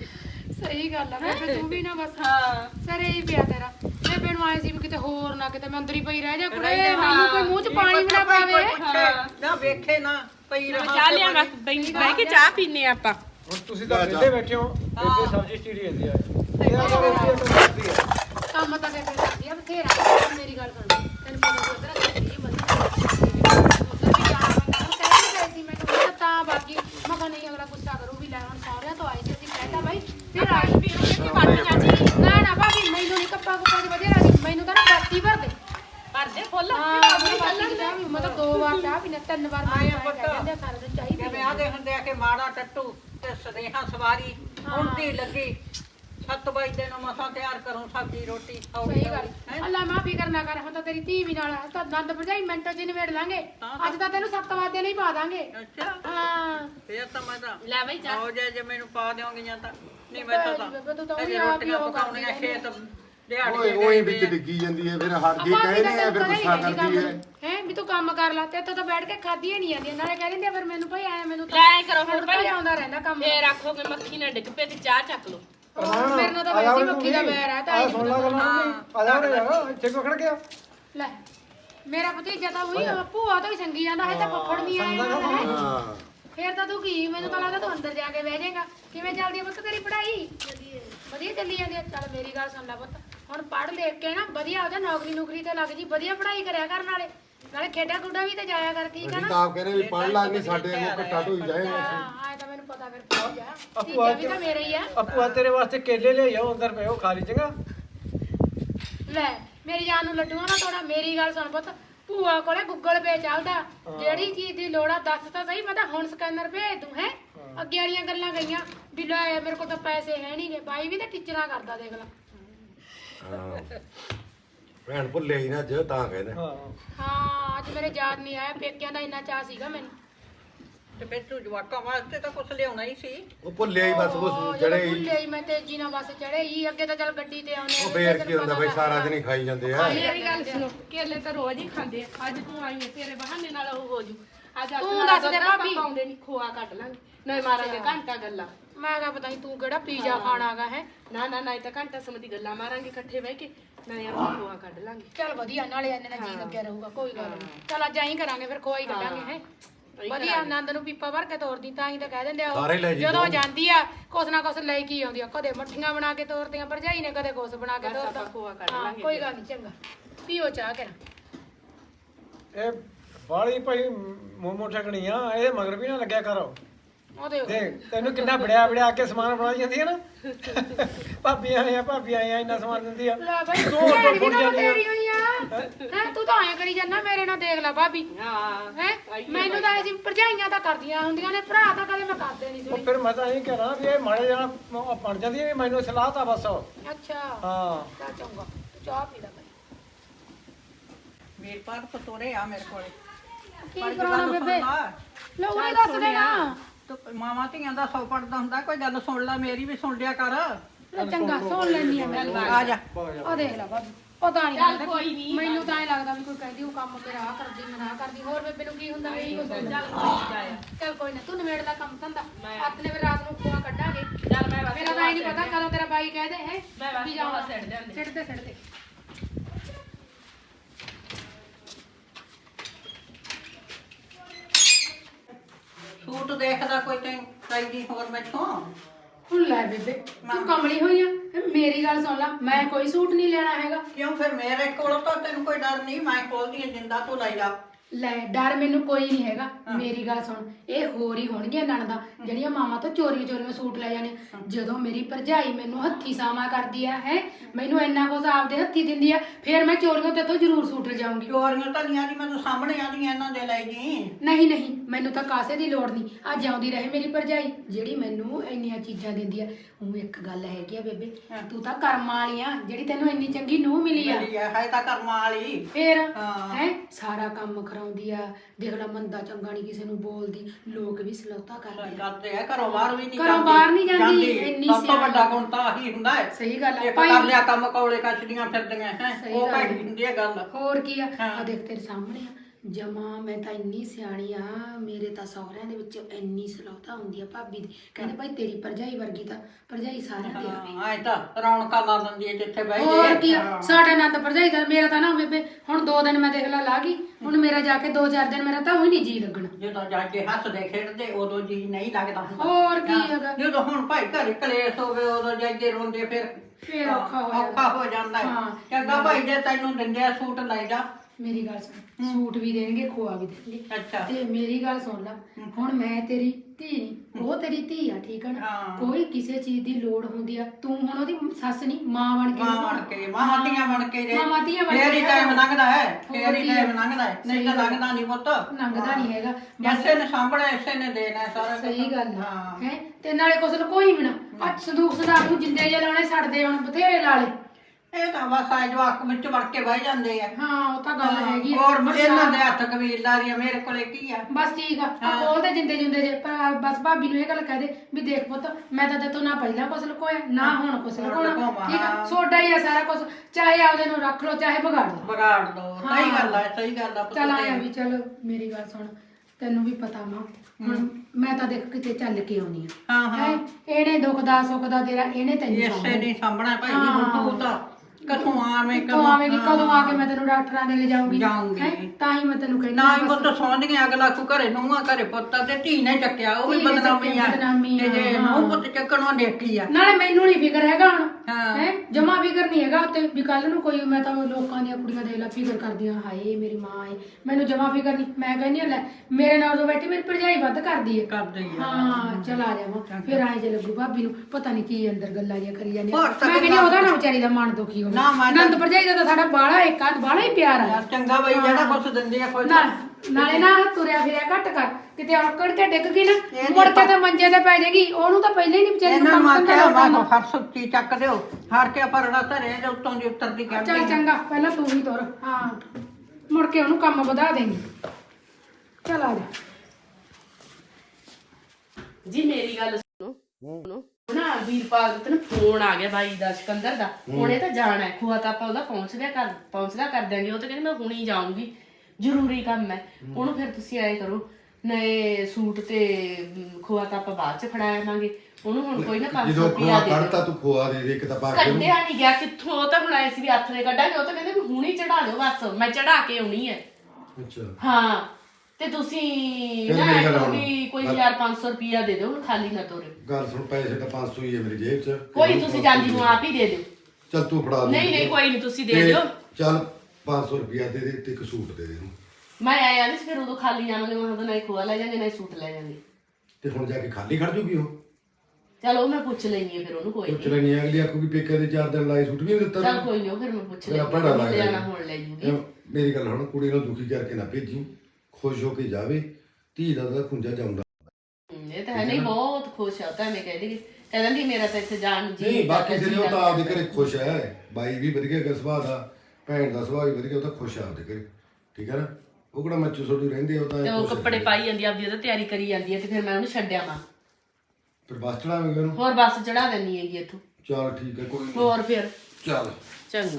ਸਹੀ ਗੱਲ ਆ ਬੇਬੇ ਤੂੰ ਵੀ ਨਾ ਬਸ ਹਾਂ ਸਰੇ ਹੀ ਪਿਆ ਤੇਰਾ ਬੇਬੇ ਨੂੰ ਆਏ ਸੀ ਵੀ ਕਿਤੇ ਹੋਰ ਨਾ ਕਿਤੇ ਮੈਂ ਅੰਦਰ ਹੀ ਪਈ ਰਹਿ ਜਾ ਕੁੜੇ ਮੈਨੂੰ ਕੋਈ ਮੂੰਹ 'ਚ ਪਾਣੀ ਵੀ ਨਾ ਪਾਵੇ ਨਾ ਵੇਖੇ ਨਾ ਪਈ ਰਹਾ ਚਾਹ ਲਿਆ ਮੈਂ ਬਹਿ ਕੇ ਚਾਹ ਪੀਨੇ ਆਪਾਂ ਹੁਣ ਤੁਸੀਂ ਤਾਂ ਵਿਹਲੇ ਬੈਠੇ ਹੋ ਬੇਬੇ ਸਬਜ਼ੀ ਚੀੜੀ ਜਾਂਦੀ ਆ ਇਹਦਾ ਤਾਂ ਰੋਟੀ ਤਾਂ ਕਰਦੀ ਆ ਕੰਮ ਤਾਂ ਬੇਬੇ ਕਰਦੀ ਆ ਬਥੇਰਾ ਮੇਰੀ ਗੱਲ ਸੁਣ ਤੈਨੂੰ ਪਤਾ ਉਧਰ ਕਰਦੀ ਬੰਦੀ ਉਧਰ ਵੀ ਜਾਣਾ ਮੈਂ ਕੰਮ ਕਹਿ ਸੀ ਮੈਨੂੰ ਉਹ ਤਾਂ ਬਾਕੀ ਮੈਂ ਕਿਹਾ ਨਹੀਂ ਅਗਲਾ ਗੁੱਸਾ ਕਰੂ ਵੀ ਲੈ ਹੁਣ ਸਾਰਿਆਂ ਤੋਂ ਆਏ ਸੀ ਅਸੀਂ ਕਹਿਤਾ ਬਾਈ ਫਿਰ ਆਈ ਕਿ ਬਾਟੀਆਂ ਜੀ ਨਾ ਨਾ ਭਾਬੀ ਮੈਨੂੰ ਨਹੀਂ ਕੱਪਾ ਕੁੱਪਾ ਦੀ ਵਧੀਆ ਲੱਗਦੀ ਮੈਨੂੰ ਤਾਂ ਨਾ ਬਾਤੀ ਭਰ ਦੇ ਭਰਦੇ ਫੁੱਲ ਹਾਂ ਮੈਂ ਬਾਤੀ ਦੀ ਚਾਹ ਵੀ ਮਤਲਬ 2 ਵਾਰ ਚਾਹ ਪੀਣਾ 3 ਵਾਰ ਮੈਂ ਕਹਿੰਦੇ ਸਾਰਾ ਦਿਨ ਚਾਹ ਹੀ ਜਿਵੇਂ ਆਦੇ ਹੁੰਦੇ ਆ ਕਿ ਮਾੜਾ ਟੱਟੂ ਤੇ ਸਨੇਹਾ ਸਵਾਰੀ ਉਲਟੀ ਲੱਗੀ 7 ਵਜੇ ਨੂੰ ਮਸਾਂ ਤਿਆਰ ਕਰੂੰ ਸਬਜ਼ੀ ਰੋਟੀ ਸਹੀ ਗੱਲ ਅੱਲਾ ਮਾਂ ਫਿਕਰ ਨਾ ਕਰ ਹੁਣ ਤਾਂ ਤੇਰੀ ਧੀ ਵੀ ਨਾਲ ਤਾਂ ਦੰਦ ਭਜਾਈ ਮਿੰਟਾਂ 'ਚ ਨਿਬੇੜ ਲਾਂਗੇ ਅੱਜ ਤਾਂ ਤੈਨੂੰ 7 ਵਜੇ ਲਈ ਪਾ ਦਾਂਗੇ ਅੱਛਾ ਹਾਂ ਫੇਰ ਤਾਂ ਮੈਂ ਤਾਂ ਲੈ ਬਈ ਚਾਹ ਆਓ ਜੇ ਮੈਨੂੰ ਪਾ ਦਿਓਗੀਆਂ ਤਾਂ ਨਹੀਂ ਮੈਂ ਤਾਂ ਬੇਬੇ ਤੂੰ ਤਾਂ ਅਜੇ ਉਹੀ ਆਪ ਹੀ ਰੋਟੀਆਂ ਉਹ ਕਰਦੀ ਪਕਾਉਣੀਆਂ ਖੇਤ ਓਏ ਦਿਹਾੜੀ ਉਹੀ ਵਿੱਚ ਡਿੱਗੀ ਜਾਂਦੀ ਹੈ ਫਿਰ ਹਰ ਜੀ ਕਹਿੰਦੇ ਆ ਫਿਰ ਗੁੱਸਾ ਕਰਦੀ ਹੈ ਹੈ ਵੀ ਤੂੰ ਕੰਮ ਕਰ ਲਾ ਤੇ ਇੱਥੋਂ ਤਾਂ ਬੈਠ ਕੇ ਖਾਦੀ ਹੀ ਨਹੀਂ ਜਾਂਦੀ ਨਾਲੇ ਕਹਿ ਦਿੰਦੇ ਆ ਫਿਰ ਮੈਨੂੰ ਭਾਈ ਆਇਆ ਮੈਨੂੰ ਤਾਂ ਲੈ ਕਰੋ ਹੁਣ ਭਾਈ ਭਾਈ ਆਉਂਦਾ ਰਹਿੰਦਾ ਕੰਮ ਫੇਰ ਆਖੋਗੇ ਮੱਖੀ ਨਾ ਡਿੱਗ ਪਏ ਤੇ ਚਾਹ ਚੱਕ ਲਓ ਮੇਰੇ ਨਾਲ ਤਾਂ ਵੈਸੇ ਹੀ ਮੱਖੀ ਦਾ ਬੈਰ ਆ ਤਾਂ ਸੁਣ ਲਾ ਗੱਲਾਂ ਨਹੀਂ ਆ ਜਾ ਉਰੇ ਯਾਰ ਇੱਥੇ ਕਿਉਂ ਖੜ ਗਿਆ ਲੈ ਮੇਰਾ ਭਤੀਜਾ ਤਾਂ ਉਹੀ ਭੂਆ ਤੋਂ ਹੀ ਸੰਗੀ ਜਾਂਦਾ ਹੈ ਤਾਂ ਫੱਫੜ ਨਹੀਂ ਆਇਆ ਹਾਂ ਫੇਰ ਤਾਂ ਤੂੰ ਕੀ ਮੈਨੂੰ ਤਾਂ ਲੱਗਦਾ ਤੂੰ ਅੰਦਰ ਜਾ ਕੇ ਬਹਿ ਜਾਏਗਾ ਕਿਵੇਂ ਚੱਲਦੀ ਹੈ ਪੁੱਤ ਤੇਰੀ ਪੜ੍ਹਾਈ ਵਧੀਆ ਚੱਲੀ ਜਾਂਦੀ ਆ। ਚੱਲ ਮੇਰੀ ਗੱਲ ਸੁਣ ਲੈ ਪੁੱਤ, ਹੁਣ ਪੜ੍ਹ ਲਿਖ ਕੇ ਨਾ ਵਧੀਆ ਉਹਦਾ ਨੌਕਰੀ ਤੇ ਲੱਗ ਜੀ, ਵਧੀਆ ਪੜ੍ਹਾਈ ਕਰਿਆ ਕਰ, ਨਾਲੇ ਖੇਡਾਂ ਖੁੱਡਾਂ ਵੀ ਤੇ ਜਾਇਆ ਕਰ, ਠੀਕ ਆ ਅਸੀਂ ਨਾ? ਤਾਂ ਆਪ ਕਹਿੰਦੇ ਵੀ ਪੜ੍ਹ ਲਾ ਨਹੀਂ ਸਾਡੇ ਅੱਗੇ ਘੱਟਾ ਢੋਈ ਜਾਏਗਾ ਹਾਂ ਆਏ ਤਾਂ ਮੈਨੂੰ ਪਤਾ ਫਿਰ ਪਹੁੰਚ ਜਾ, ਆਪੂ ਤੀਜਾ ਵੀ ਤਾਂ ਮੇਰੇ ਹੀ ਆ। ਆਪੂ ਆ ਤੇਰੇ ਵਾਸਤੇ ਕੇਲੇ ਲੈ ਆਓ ਅੰਦਰ ਪਏ ਉਹ ਖਾ ਲਈ ਚੰਗਾ। ਲੈ ਮੇਰੀ ਜਾਨ ਨੂੰ ਲੱਡੂਆਂ ਨਾ ਤੋੜਾ। ਮੇਰੀ ਗੱਲ ਸੁਣ ਪੁੱਤ, ਭੂਆ ਕੋਲੇ ਗੂਗਲ ਪੇ ਚੱਲਦਾ, ਜਿਹੜੀ ਚੀਜ਼ ਦੀ ਲੋੜ ਆ ਦੱਸ ਤਾਂ ਸਹੀ, ਮੈਂ ਤਾਂ ਹੁਣ ਸਕੈਨਰ ਭੇਜ ਦੂੰ ਹੈ। ਅੱਗੇ ਵਾਲੀਆਂ ਗੱਲਾਂ ਗਈਆਂ ਵੀ ਲੈ ਮੇਰੇ ਕੋਲ ਤਾਂ ਪੈਸੇ ਹੈ ਨਹੀਂਗੇ, ਬਾਈ ਵੀ ਤਾਂ ਟੀਚਰਾਂ ਕਰਦਾ ਦੇਖ ਲੈ। ਹਾਂ ਭੈਣ ਭੁੱਲੇ ਹੀ ਨਾ ਅੱਜ ਤਾਂ ਕਹਿੰਦੇ ਹਾਂ ਹਾਂ ਅੱਜ ਮੇਰੇ ਯਾਦ ਨਹੀਂ ਆਇਆ, ਪੇਕਿਆਂ ਦਾ ਇੰਨਾ ਚਾਅ ਸੀਗਾ ਮੈਨੂੰ। ਤੇ ਫਿਰ ਤੂੰ ਜਵਾਕਾਂ ਵਾਸਤੇ ਤਾਂ ਕੁਛ ਲਿਆਉਣਾ ਹੀ ਸੀ। ਉਹ ਭੁੱਲੇ ਹੀ ਬਸ ਉਹ ਉਹ ਜਦੋਂ ਜੜੇ ਹੀ ਭੁੱਲੇ ਹੀ ਮੈਂ ਤੇਜ਼ੀ ਨਾਲ ਬੱਸ ਚੜੇ ਹੀ, ਅੱਗੇ ਤਾਂ ਚੱਲ ਗੱਡੀ ਤੇ ਆਉਨੇ ਉਹ ਫੇਰ ਕੀ ਹੁੰਦਾ ਬਈ ਸਾਰਾ ਦਿਨ ਹੀ ਖਾਈ ਜਾਂਦੇ ਆ। ਮੇਰੀ ਗੱਲ ਸੁਣੋ, ਕੇਲੇ ਤਾਂ ਰੋਜ਼ ਹੀ ਖਾਂਦੇ ਆ, ਅੱਜ ਤੂੰ ਆਈ ਹੈ ਤੇਰੇ ਬਹਾਨੇ ਨਾਲ ਉਹ ਹੋ ਜੂ। ਅੱਜ ਤੂੰ ਦੱਸ ਦੇ ਭਾਬੀ। ਪਾਉਂਦੇ ਨਹੀਂ, ਖੋਆ ਕੱਢ ਲਾਂਗੇ ਨਹੀਂ ਮਾਰਾਂਗੇ ਘੰਟਾ ਗੱਲਾਂ। ਮੈਂ ਕਿਹਾ ਪਤਾ ਨਹੀਂ ਤੂੰ ਕਿਹੜਾ ਪੀਜ਼ਾ ਖਾਣਾਗਾ ਹੈ। ਨਾ ਇਹ ਤਾਂ ਘੰਟਾ ਸਮੇਂ ਦੀ ਗੱਲਾਂ ਮਾਰਾਂਗੇ ਇਕੱਠੇ ਬਹਿ ਕੇ, ਨਾ ਯਾਰ ਖੋਆ ਕੱਢ ਲਾਂਗੇ। ਚੱਲ ਵਧੀਆ, ਨਾਲੇ ਇੰਨੇ ਨਾਲ ਜੀ ਲੱਗਿਆ ਰਹੂਗਾ, ਕੋਈ ਗੱਲ ਨਹੀਂ। ਚੱਲ ਅੱਜ ਆਈ ਕਰਾਂਗੇ ਫਿਰ, ਖੋਆ ਹੀ ਕੱਢਾਂਗੇ ਹੈ। ਵਧੀਆ ਆਨੰਦ ਨੂੰ ਪੀਪਾ ਭਰ ਕੇ ਤੋਰਦੀ, ਤਾਂ ਹੀ ਤਾਂ ਕਹਿ ਦਿੰਦੇ ਆ ਉਹ, ਸਾਰੇ ਲੈ ਜੀ ਜਦੋਂ ਜਾਂਦੀ ਆ ਕੁਛ ਨਾ ਕੁਛ ਲੈ ਕੇ ਆਉਂਦੀ ਆ, ਕਦੇ ਮੱਠੀਆਂ ਬਣਾ ਕੇ ਤੋਰਦੀਆਂ ਭਰਜਾਈ ਨੇ, ਕਦੇ ਕੁਛ ਬਣਾ ਕੇ ਤੋਰਦਾ। ਖੋਆ ਕੱਢ ਹਾਂ ਲਾਂਗੇ। ਕੋਈ ਗੱਲ ਨਹੀਂ, ਚੰਗਾ ਪੀਓ ਚਾਹ ਕਰਾਂ। ਇਹ ਬਾਲੀ ਭਾਈ ਮੋਮੋ ਠਗਣੀ ਆ, ਇਹਦੇ ਮਗਰ ਵੀ ਨਾ ਲੱਗਿਆ ਕਰ। ਉਹਦੇ ਦੇਖ ਤੈਨੂੰ ਕਿੰਨਾ ਬੜਿਆ ਕੇ ਸਮਾਨ ਬਣਾਈ ਜਾਂਦੀ ਹੈ ਨਾ। ਭਾਬੀ ਆਏ ਆ ਇੰਨਾ ਸਮਾਨ ਦਿੰਦੀ ਆ। ਲੈ ਬਾਈ ਤੂੰ ਭੈਣ ਵੀ ਫੁੱਟ ਤਾਂ ਜਾਂਦੀ ਆ। ਤੇਰੀ ਹੋਈ ਆ ਹੈ। ਤੂੰ ਤਾਂ ਐਂ ਕਰੀ ਜਾਂਦਾ ਮੇਰੇ ਨਾਲ, ਦੇਖ ਲੈ ਭਾਬੀ ਹਾਂ ਹੈ। ਮੈਨੂੰ ਤਾਂ ਐਸੀ ਭਰਜਾਈਆਂ ਤਾਂ ਕਰਦੀਆਂ ਹੁੰਦੀਆਂ ਨੇ, ਭਰਾ ਤਾਂ ਕਦੇ ਮੈਂ ਕਰਦੇ ਨਹੀਂ ਉਹ ਸੀ। ਫਿਰ ਮੈਂ ਤਾਂ ਇਹ ਕਹਿ ਰਹਾ ਵੀ ਇਹ ਮਾੜੇ ਜਾਣਾ ਬਣ ਜਾਂਦੀ ਹੈ ਵੀ ਮੈਨੂੰ ਸਲਾਹ ਤਾਂ ਬਸ। ਅੱਛਾ ਹਾਂ ਚੱਲ ਚੰਗਾ, ਤੂੰ ਚਾਹ ਪੀ ਲੈ ਬਾਈ। ਵੀਰਪਾਲ ਪਤੋਰੇ ਆ ਮੇਰੇ ਕੋਲੇ। ਕੀ ਕਰਾਉਣਾ ਬੇਬੇ? ਲੈ ਉਹਨੇ ਦੱਸ ਦੇਣਾ। ਤੂੰ ਮਾਵਾਂ ਧੀਆਂ ਦਾ ਸੌ ਪੜਦਾ ਹੁੰਦਾ, ਕੋਈ ਗੱਲ ਸੁਣ ਲੈ, ਮੇਰੀ ਵੀ ਸੁਣ ਲਿਆ ਕਰ। ਲੈ ਚੰਗਾ ਸੁਣ ਲੈਣੀ ਆ ਮੈਂ। ਆ ਜਾ। ਉਹ ਦੇਖ ਲੈ ਭਾਬੀ, ਪਤਾ ਨਹੀਂ ਚੱਲ ਲੱਗਦਾ ਕੋਈ ਨੀ। ਮੈਨੂੰ ਤਾਂ ਐ ਲੱਗਦਾ ਵੀ ਕੋਈ ਕਹਿੰਦੀ ਉਹ ਕੰਮ ਤੇਰਾ ਆ ਕਰਦੀ, ਮੈਂ ਨਾ ਕਰਦੀ। ਹੋਰ ਬੇਬੇ ਨੂੰ ਕੀ ਹੁੰਦਾ, ਇਹੀ ਕੁਝ ਹੁੰਦਾ। ਚੱਲ ਕੋਈ ਨਾ, ਤੂੰ ਨਿਬੇੜ ਦਾ ਕੰਮ ਧੰਦਾ, ਆਪਣੇ ਵੀ ਰਾਤ ਨੂੰ ਖੋਆ ਕੱਢਾਂਗੇ। ਚੱਲ ਮੈਂ ਬਸ ਮੇਰਾ ਤਾਂ ਇਹ ਨਹੀਂ ਪਤਾ ਕਦੋਂ ਤੇਰਾ ਬਾਈ ਕਹਿ ਦੇ ਹੈ ਮੈਂ ਬਸ ਵੀ ਜਾਵਾਂ। ਸਿੱਟ ਜਾਂਦੇ। ਸਿੱਟ ਦੇ। ਸੂਟ ਦੇਖਦਾ ਕੋਈ ਤੈਨੂੰ ਚਾਹੀਦੀ ਹੋਰ ਮੈਥੋਂ? ਹੁਣ ਲੈ ਬੇਬੇ, ਤੂੰ ਕਮਲੀ ਹੋਈ ਆ। ਮੇਰੀ ਗੱਲ ਸੁਣ ਲੈ, ਮੈਂ ਕੋਈ ਸੂਟ ਨਹੀਂ ਲੈਣਾ ਹੈਗਾ। ਕਿਉਂ ਫਿਰ ਮੇਰੇ ਕੋਲ ਤਾਂ ਤੈਨੂੰ ਕੋਈ ਡਰ ਨਹੀਂ, ਮੈਂ ਖੋਲਦੀ ਹਾਂ ਜਿੰਦਾ, ਤੂੰ ਲੈ ਜਾ। ਲੈ ਡਰ ਮੈਨੂੰ ਕੋਈ ਨਹੀਂ ਹੈਗਾ। ਮੇਰੀ ਗੱਲ ਸੁਣ, ਇਹ ਹੋਰ ਹੀ ਹੋਣਗੀਆਂ ਨਣਦਾਂ ਜਿਹੜੀਆਂ ਮਾਮਾ ਤੋਂ ਚੋਰੀਆਂ ਸੂਟ ਲੈ ਜਾਣੇ। ਜਦੋਂ ਮੇਰੀ ਭਰਜਾਈ ਮੈਨੂੰ ਹੱਥੀ ਸਾਮਾ ਕਰਦੀ ਆ ਹੈ, ਮੈਨੂੰ ਇੰਨਾ ਕੁਝ ਆਪਦੇ ਹੱਥੀ ਦਿੰਦੀ ਆ, ਫਿਰ ਮੈਂ ਚੋਰੀਆਂ ਤੇ ਤੋਂ ਜ਼ਰੂਰ ਸੂਟ ਲਿਜਾਊਂਗੀ। ਚੋਰੀਆਂ ਧਨੀਆਂ ਦੀ ਮੈਨੂੰ ਸਾਹਮਣੇ ਆਉਂਦੀਆਂ, ਇਹਨਾਂ ਦੇ ਲੈ ਜੀ। ਨਹੀਂ ਮੈਨੂੰ ਤਾਂ ਕਾਸੇ ਦੀ ਲੋੜ ਨਹੀਂ। ਅੱਜ ਆਉਂਦੀ ਰਹੇ ਮੇਰੀ ਭਰਜਾਈ ਜਿਹੜੀ ਮੈਨੂੰ ਇੰਨੀਆਂ ਚੀਜ਼ਾਂ ਦਿੰਦੀ ਆ। ਉਹ ਇੱਕ ਗੱਲ ਹੈਗੀ ਆ ਬੇਬੇ, ਤੂੰ ਤਾਂ ਕਰਮਾਂ ਵਾਲੀ ਆ ਜਿਹੜੀ ਤੈਨੂੰ ਇੰਨੀ ਚੰਗੀ ਨੂੰਹ ਮਿਲੀ ਆ। ਹੈ ਤਾਂ ਕਰਮਾਂ ਵਾਲੀ। ਫੇਰ ਹਾਂ। ਹੈ ਸਾਰਾ ਕੰਮ ਕਰਾਉਂਦੀ ਆ, ਦੇਖ ਲੈ ਮੰਦਾ ਚੰਗਾ ਨਹੀਂ ਕਿਸੇ ਨੂੰ ਬੋਲਦੀ, ਲੋਕ ਵੀ ਸਲੋਤਾ ਕਰਦੇ ਆ। ਕਰਦੇ ਆ, ਘਰੋਂ ਬਾਹਰ ਵੀ ਨਹੀਂ ਘਰੋਂ ਬਾਹਰ ਨਹੀਂ ਜਾਂਦੀ, ਇੰਨੀ ਸਭ ਤੋਂ ਸਿਆਣੀ। ਵੱਡਾ ਗੁਣ ਤਾਂ ਆਹੀ ਹੁੰਦਾ ਹੈ। ਸਹੀ ਗੱਲ ਆ ਇੱਕ ਭਾਈ। ਕਰ ਲਿਆ ਕੰਮ, ਕੌਲੇ ਕੱਚਦੀਆਂ ਫਿਰਦੀਆਂ ਹੈ, ਸਹੀ ਉਹ ਗੱਲ ਭੈੜੀ ਹੁੰਦੀ ਹੈ ਗੱਲ। ਹੋਰ ਕੀ ਆ, ਹਾਂ। ਆ ਦੇਖ ਤੇਰੇ ਸਾਹਮਣੇ ਆ ਜਮਾ। ਮੈਂ ਤਾਂ ਇੰਨੀ ਸਿਆਣੀ ਆ, ਮੇਰੇ ਤਾਂ ਸਹੁਰਿਆਂ ਦੇ ਵਿੱਚ ਇੰਨੀ ਸਲੋਤਾ ਹੁੰਦੀ ਆ ਭਾਬੀ ਦੀ। ਕਹਿੰਦੇ ਭਾਈ ਤੇਰੀ ਭਰਜਾਈ ਵਰਗੀ ਤਾਂ ਭਰਜਾਈ ਸਾਰਿਆਂ ਦੇ ਆਵੇ। ਹਾਂ, ਐ ਤਾਂ ਰੌਣਕਾਂ ਲਾ ਦਿੰਦੀ ਹੈ ਜਿੱਥੇ ਬਹਿ ਹੋਰ ਕੀ ਆ, ਹਾਂ। ਸਾਡਾ ਆਨੰਦ ਭਰਜਾਈ ਦਾ। ਮੇਰਾ ਤਾਂ ਨਾ ਬੇਬੇ ਹੁਣ 2 ਦਿਨ ਮੈਂ ਦੇਖ ਲਾ ਗਈ, ਹੁਣ ਮੇਰਾ ਜਾ ਕੇ 2-4 ਦਿਨ ਮੇਰਾ ਤਾਂ ਉਹੀ ਨਹੀਂ ਜੀ ਲੱਗਣਾ। ਜਦੋਂ ਜਾਗੇ ਹੱਸਦੇ ਖੇਡਦੇ ਉਦੋਂ ਜੀ ਨਹੀਂ ਲੱਗਦਾ ਹੁੰਦਾ। ਹੋਰ ਕੀ ਹਾਂ, ਹੈਗਾ। ਜਦੋਂ ਹੁਣ ਭਾਈ ਘਰੇ ਕਲੇਸ਼ ਹੋਵੇ ਉਦੋਂ ਜਾਗੇ ਰੋਂਦੇ ਫਿਰ ਔਖਾ ਹੋ ਜਾਂਦਾ। ਔਖਾ ਹੋ ਜਾਂਦਾ ਹੈ। ਹਾਂ। ਕਹਿੰਦਾ ਭਾਈ ਜੇ ਤੈਨੂੰ ਦਿੰਦੇ ਆ ਸੂਟ ਲੈ ਜਾ। ਮੇਰੀ ਗੱਲ ਸੁਣ, ਸੂਟ ਵੀ ਦੇਣਗੇ, ਖੋਆ ਵੀ ਦੇਣਗੇ। ਅੱਛਾ। ਤੇ ਮੇਰੀ ਗੱਲ ਸੁਣ ਲੈ, ਹੁਣ ਮੈਂ ਤੇਰੀ ਧੀ ਨਹੀਂ, ਉਹ ਤੇਰੀ ਧੀ ਆ, ਠੀਕ ਆ ਨਾ? ਹਾਂ। ਕੋਈ ਕਿਸੇ ਚੀਜ਼ ਦੀ ਲੋੜ ਹੁੰਦੀ ਆ, ਤੂੰ ਹੁਣ ਉਹਦੀ ਸੱਸ ਨਹੀਂ, ਮਾਂ ਬਣ ਕੇ ਮਾਂ ਨਿਭਾਉਣਾ। ਬਣ ਕੇ, ਮਾਂ ਧੀਆਂ ਬਣ ਕੇ ਜੇ ਮਾਵਾਂ ਧੀਆਂ ਬਣ ਫੇਰ ਹੀ ਕੇ ਟਾਈਮ ਲੰਘਦਾ ਹੈ, ਹੋਰ ਫੇਰ ਹੀ ਕੀ ਆ। ਟਾਈਮ ਲੰਘਦਾ ਹੈ, ਨਹੀਂ ਤਾਂ ਸਹੀ ਗੱਲ। ਲੰਘਦਾ ਨਹੀਂ ਪੁੱਤ। ਲੰਘਦਾ ਨਹੀਂ ਹੈਗਾ। ਇਸੇ ਨੇ ਸਾਂਭਣਾ, ਇਸੇ ਨੇ ਦੇਣਾ ਹੈ ਸਾਰਾ ਕੁਛ। ਸਹੀ ਗੱਲ ਹਾਂ। ਹੈ। ਤੇ ਨਾਲੇ ਕੁਛ ਕੋਈ ਵੀ ਨਾ, ਆ ਸੰਦੂਕ ਸੰਦਾਕ ਨੂੰ ਜਿੰਦੇ ਜੇ ਲਾਉਣੇ ਛੱਡਦੇ, ਹੁਣ ਬਥੇਰੇ ਲਾਲੇ। ਇਹ ਤਾਂ ਬਸ ਆ ਜਵਾਕ ਵਿੱਚ ਵੜ ਕੇ ਬਹਿ ਜਾਂਦੇ ਆ। ਹਾਂ ਉਹ ਤਾਂ ਗੱਲ ਹੈਗੀ ਆ। ਹੋਰ ਬਸ ਇਹਨਾਂ ਦੇ ਹੱਥ ਕਬੀਲਦਾਰੀਆਂ, ਮੇਰੇ ਕੋਲੇ ਕੀ ਆ? ਬਸ ਠੀਕ ਆ, ਖੋਲਦੇ ਜਿੰਦੇ ਜੁੰਦੇ ਜੇ। ਪਰ ਬਸ ਭਾਬੀ ਨੂੰ ਇਹ ਗੱਲ ਕਹਿ ਦੇ ਵੀ ਦੇਖ ਪੁੱਤ, ਮੈਂ ਤਾਂ ਤੇਤੋਂ ਨਾ ਪਹਿਲਾਂ ਕੁਛ ਲੁਕੋਇਆ, ਨਾ ਹੁਣ ਕੁਛ ਲੁਕਾਉਣਾ, ਲੁਕਾਉਣਾ, ਠੀਕ ਆ? ਹਾਂ। ਸੋਡਾ ਹੀ ਆ ਸਾਰਾ ਕੁਛ, ਚਾਹੇ ਆਪਦੇ ਨੂੰ ਰੱਖ ਲਓ ਚਾਹੇ ਵਿਗਾੜ ਲਓ। ਵਿਗਾੜ ਦੋ। ਸਹੀ ਗੱਲ ਆ, ਸਹੀ ਗੱਲ ਆ ਪੁੱਤ ਚੱਲ ਆਇਆ ਤੇਰੀ। ਵੀ, ਚਲ ਮੇਰੀ ਗੱਲ ਸੁਣ, ਤੈਨੂੰ ਵੀ ਪਤਾ ਮਾਂ, ਹੁਣ ਮੈਂ ਤਾਂ ਦੇਖ ਕਿਤੇ ਚੱਲ ਕੇ ਆਉਣੀ ਆ। ਹਾਂ, ਹਾਂ। ਹੈਂ? ਇਹਨੇ ਦੁੱਖ ਦਾ ਸੁੱਖ ਦਾ ਤੇਰਾ ਇਹਨੇ ਤੈਨੂੰ ਇਸੇ ਸਾਂਭਣਾ। ਨਹੀਂ ਸਾਂਭਣਾ ਭਾਈ, ਹਾਂ। ਹੁਣ ਤੂੰ ਤਾਂ ਕਦੋਂ ਆਵੇਂ ਕਿੱਥੋਂ ਆਵੇਂਗੀ ਕਦੋਂ ਆ ਕੇ ਮੈਂ ਤੈਨੂੰ ਡਾਕਟਰਾਂ ਦੇ ਲੈ ਜਾਊਂਗੀ ਜਾਊਂਗੀ। ਹੈਂ? ਤਾਂ ਹੀ ਮੈਂ ਤੈਨੂੰ ਕਹਿੰਦੀ ਨਾ ਹਾਂ ਹੀ ਬਸ। ਪੁੱਤ ਸੌਂਦੀਆਂ ਅਗਲਾ ਕੋ ਘਰੇ ਨੂੰਹਾਂ ਘਰੇ ਪੁੱਤਾਂ ਤੇ ਧੀ ਨੇ ਚੱਕਿਆ ਉਹ ਵੀ ਧੀ ਨੇ ਬਦਨਾਮੀ ਚੱਕਿਆ, ਆ ਬਦਨਾਮੀ ਤੇ ਜੇ ਆ, ਨੂੰਹ ਹਾਂ। ਪੁੱਤ ਚੱਕਣੋਂ ਨੇਕੀ ਆ ਨਾਲੇ ਮੈਨੂੰ ਨਹੀਂ ਫਿਕਰ ਹੈਗਾ ਹੁਣ ਹਾਂ। ਹੈ ਜਮਾ ਫਿਕਰ ਨਹੀਂ ਹੈਗਾ ਉੱਤੇ ਵੀ ਕੱਲ ਨੂੰ ਕੋਈ ਮੈਂ ਤਾਂ ਲੋਕਾਂ ਦੀਆਂ ਕੁੜੀਆਂ ਦੇ ਲਾ ਫਿਕਰ ਕਰਦੀਆਂ ਹਾਏ ਮੇਰੀ ਮਾਂ ਏ ਮੈਨੂੰ ਜਮਾ ਫਿਕਰ ਨਹੀਂ ਮੈਂ ਕਹਿੰਦੀ ਹਾਂ ਲੈ ਮੇਰੇ ਨਾਲ ਜੋ ਬੈਠੀ ਮੇਰੀ ਭਰਜਾਈ ਵੱਧ ਕਰਦੀ ਹੈ ਕਰਦੇ ਹੀ ਆ ਹਾਂ ਚਲ ਆ ਜਾਵਾਂ ਫਿਰ ਆਏ ਜੇ ਲੱਗੂ ਭਾਬੀ ਨੂੰ ਪਤਾ ਨਹੀਂ ਕੀ ਅੰਦਰ ਗੱਲਾਂ ਜਿਹੀਆਂ ਕਰੀ ਜਾਂਦੀਆਂ ਹੋਰ ਤਾਂ ਮੈਂ ਕਹਿੰਦੀ ਹਾਂ, ਉਹਦਾ ਨਾ ਵਿਚਾਰੀ ਦਾ ਮਨ ਦੁਖੀ ਹੋਵੇ ਨਾ, ਮੈਂ ਤਾਂ- ਨੰਦ ਭਰਜਾਈ ਦਾ ਤਾਂ ਸਾਡਾ ਬਾਲਾ ਇੱਕ ਆਧ ਬਾਲਾ ਹੀ ਪਿਆਰ ਆ ਯਾਰ ਚੰਗਾ ਬਈ ਜਿਹੜਾ ਕੁਛ ਦਿੰਦੇ ਆ ਕੋਈ ਨਾਲੇ ਨਾ ਤੁਰਿਆ ਫਿਰਿਆ ਘੱਟ ਕਰ ਕਿਤੇ ਔਕੜ ਕੇ ਡਿੱਗ ਗਈ ਨਾ ਇਹ ਮੁੜ ਕੇ ਤਾਂ ਮੰਜੇ ਤੇ ਪੈ ਜਾਏਗੀ ਉਹਨੂੰ ਤਾਂ ਪਹਿਲਾਂ ਹੀ ਨਹੀਂ ਵਿਚਾਰੀ ਨੂੰ ਇਹਨਾਂ ਕੰਮ ਮਾਂ ਧੰਦਾ ਕਿਹਾ ਲਾਉਣਾ। ਮੈਂ ਫਰਸ਼ ਉੱਚੀ ਚੱਕ ਦਿਓ ਹਾਰ ਕੇ ਪਰੜਾ ਧਰੇ ਜੇ ਉੱਤੋਂ ਦੀ ਉਤਰਦੀ ਚੱਲ ਕੱਢਦੀ ਚੰਗਾ ਪਹਿਲਾਂ ਤੂੰ ਹੀ ਤੁਰ ਹਾਂ ਮੁੜ ਕੇ ਉਹਨੂੰ ਕੰਮ ਵਧਾ ਦੇਂਗੀ ਚਲ ਆ ਜਾ ਜੀ ਮੇਰੀ ਗੱਲ ਸੁਣੋ ਨਾ ਵੀਰਪਾਲ ਦਾ ਤੈਨੂੰ ਫੋਨ ਆ ਗਿਆ ਬਾਈ ਦਾ ਸਿਕੰਦਰ ਦਾ ਹੁਣੇ ਤਾਂ ਜਾਣਾ ਹੈ ਖੂਆ ਤਾਂ ਆਪਾਂ ਉਹਦਾ ਪਹੁੰਚਦਾ ਕਰ ਦਿਆਂਗੇ ਉਹ ਤਾਂ ਕਹਿੰਦੀ ਮੈਂ ਹੁਣੀ ਜਾਊਂਗੀ ਜ਼ਰੂਰੀ ਕੰਮ ਹੈ ਉਹਨੂੰ ਫਿਰ ਤੁਸੀਂ ਐ ਕਰੋ ਨਏ ਸੂਟ ਤੇ ਖੂਆ ਤਾਂ ਆਪਾਂ ਬਾਅਦ ਚ ਫੜਾਵਾਂਗੇ ਉਹਨੂੰ ਹੁਣ ਕੋਈ ਨਾ 500 ਜਦੋਂ ਰੁਪਇਆ ਖੋਆ ਦੇ ਕੱਢਤਾ ਤੂੰ ਖੋਆ ਦੇ ਦੇ ਇੱਕ ਤਾਂ ਪਾ ਕੇ ਉਹਨੂੰ। ਕੱਢਿਆ ਨਹੀਂ ਗਿਆ ਕਿੱਥੋਂ ਉਹ ਤਾਂ ਹੁਣ ਆਏ ਸੀ ਵੀ ਹੱਥ ਦੇ ਕੱਢਾਂਗੇ ਉਹ ਤਾਂ ਕਹਿੰਦੇ ਵੀ ਹੁਣੀ ਚੜਾ ਦਿਓ ਬਸ ਮੈਂ ਚੜਾ ਕੇ ਆਉਣੀ ਹੈ ਅੱਛਾ ਹਾਂ ਤੇ ਤੁਸੀਂ ਫਿਰ ਨਾ ਮੇਰੀ ਗੱਲ ਐਂ ਕਰੋ ਸੁਣੋ। ਵੀ ਕੋਈ 1500 ਰੁਪਇਆ ਦੇ ਦਿਓ ਉਹਨੂੰ ਖਾਲੀ ਨਾ ਤੋਰੇ ਗੱਲ ਸੁਣ ਪੈਸੇ ਤਾਂ 500 ਹੀ ਹੈ ਮੇਰੀ ਜੇਬ 'ਚ ਕੋਈ ਤੁਸੀਂ ਜਾਂਦੀ ਨੂੰ ਆਪ ਹੀ ਦੇ ਦਿਓ ਚੱਲ ਤੂੰ ਫੜਾ ਦੇ ਨਹੀਂ ਨਹੀਂ ਕੋਈ ਨਹੀਂ ਤੁਸੀਂ ਦੇ ਤੇ ਦਿਓ ਚੱਲ 500 ਰੁਪਿਆ ਦੇ ਦੇ ਤੇ ਇੱਕ ਸੂਟ ਦੇ ਦੇ ਇਹਨੂੰ। ਮੈਂ ਆਇਆ ਨਹੀਂ ਫਿਰ ਉਦੋਂ ਖਾਲੀ ਜਾਵਾਂਗੇ ਮੈਂ ਉਦੋਂ ਨਹੀਂ ਖੋਆ ਲੈ ਜਾਾਂਗੇ ਨਹੀਂ ਸੂਟ ਲੈ ਜਾਾਂਗੇ ਤੇ ਹੁਣ ਜਾ ਕੇ ਖਾਲੀ ਖੜ ਜੂਗੀ ਉਹ ਚਲੋ ਮੈਂ ਪੁੱਛ ਲੈਣੀ ਹੈ ਫਿਰ ਉਹਨੂੰ ਕੋਈ ਪੁੱਛ ਲੈਣੀ ਅਗਲੀ ਆਖੂਗੀ ਪੇਕੇ ਦੇ 4 ਦਿਨ ਲਾਏ ਸੂਟ ਵੀ ਨਹੀਂ ਦਿੱਤਾ ਚਲ ਕੋਈ ਨਹੀਂ ਫਿਰ ਮੈਂ ਪੁੱਛ ਮੇਰਾ ਲੈਣੀ ਭੜਾ ਉਹਨੂੰ ਲੱਗ ਲਿਆਣਾ ਹੁਣ ਲੈ ਜੂਗੀ ਮੇਰੀ ਗੱਲ ਹੁਣ ਕੁੜੀ ਨੂੰ ਦੁਖੀ ਕਰਕੇ ਨਾ ਭੇਜੀ ਖੁਸ਼ ਹੋ ਕੇ ਜਾਵੇ ਧੀ ਦਾ ਤਾਂ ਖੁੰਝਾ ਜਾਉਂਦਾ ਇਹ ਤਾਂ ਹੈ ਨਹੀਂ ਬਹੁਤ ਖੁਸ਼ ਆ ਤਾਂ ਮੈਂ ਕਹਿੰਦੀ ਮੇਰਾ ਤਾਂ ਇੱਥੇ ਜਾਣ ਨੂੰ ਜੀ ਨਹੀਂ ਬਾਕੀ ਕਰਦਾ, ਜਿਹੜੇ ਉਹ ਜੀ ਤਾਂ ਆਪਦੇ ਘਰੇ ਖੁਸ਼ ਹੈ ਬਾਈ ਵੀ ਵਧੀਆ ਗਾ ਸੁਭਾਅ ਦਾ ਭੈਣ ਦਾ ਸੁਭਾਅ ਵੀ ਵਧੀਆ ਉਹ ਤਾਂ ਖੁਸ਼ ਆ ਆਪਦੇ ਘਰੇ ਠੀਕ ਹੈ ਨਾ ਉਹ ਕਿਹੜਾ ਮੱਚੂ ਛੋਟੂ ਰਹਿੰਦੇ ਉਹ ਤਾਂ ਤੇ ਉਹ ਖੁਸ਼ ਕੱਪੜੇ ਰਹਿੰਦੇ। ਪਾਈ ਜਾਂਦੀ ਆਪਦੀ ਉਹਦਾ ਤਿਆਰੀ ਕਰੀ ਜਾਂਦੀ ਹੈ ਤੇ ਫਿਰ ਮੈਂ ਉਹਨੂੰ ਛੱਡਿਆ ਮਾਂ ਫਿਰ ਬਸ ਚੜਾਵੇਂਗੇ ਉਹਨੂੰ ਹੋਰ ਬੱਸ ਚੜਾ ਦੇਣੀ ਹੈਗੀ ਇੱਥੋਂ ਚਲ ਠੀਕ ਹੈ ਕੋਈ ਨਹੀਂ ਹੋਰ ਫਿਰ ਚੱਲ ਚੰਗਾ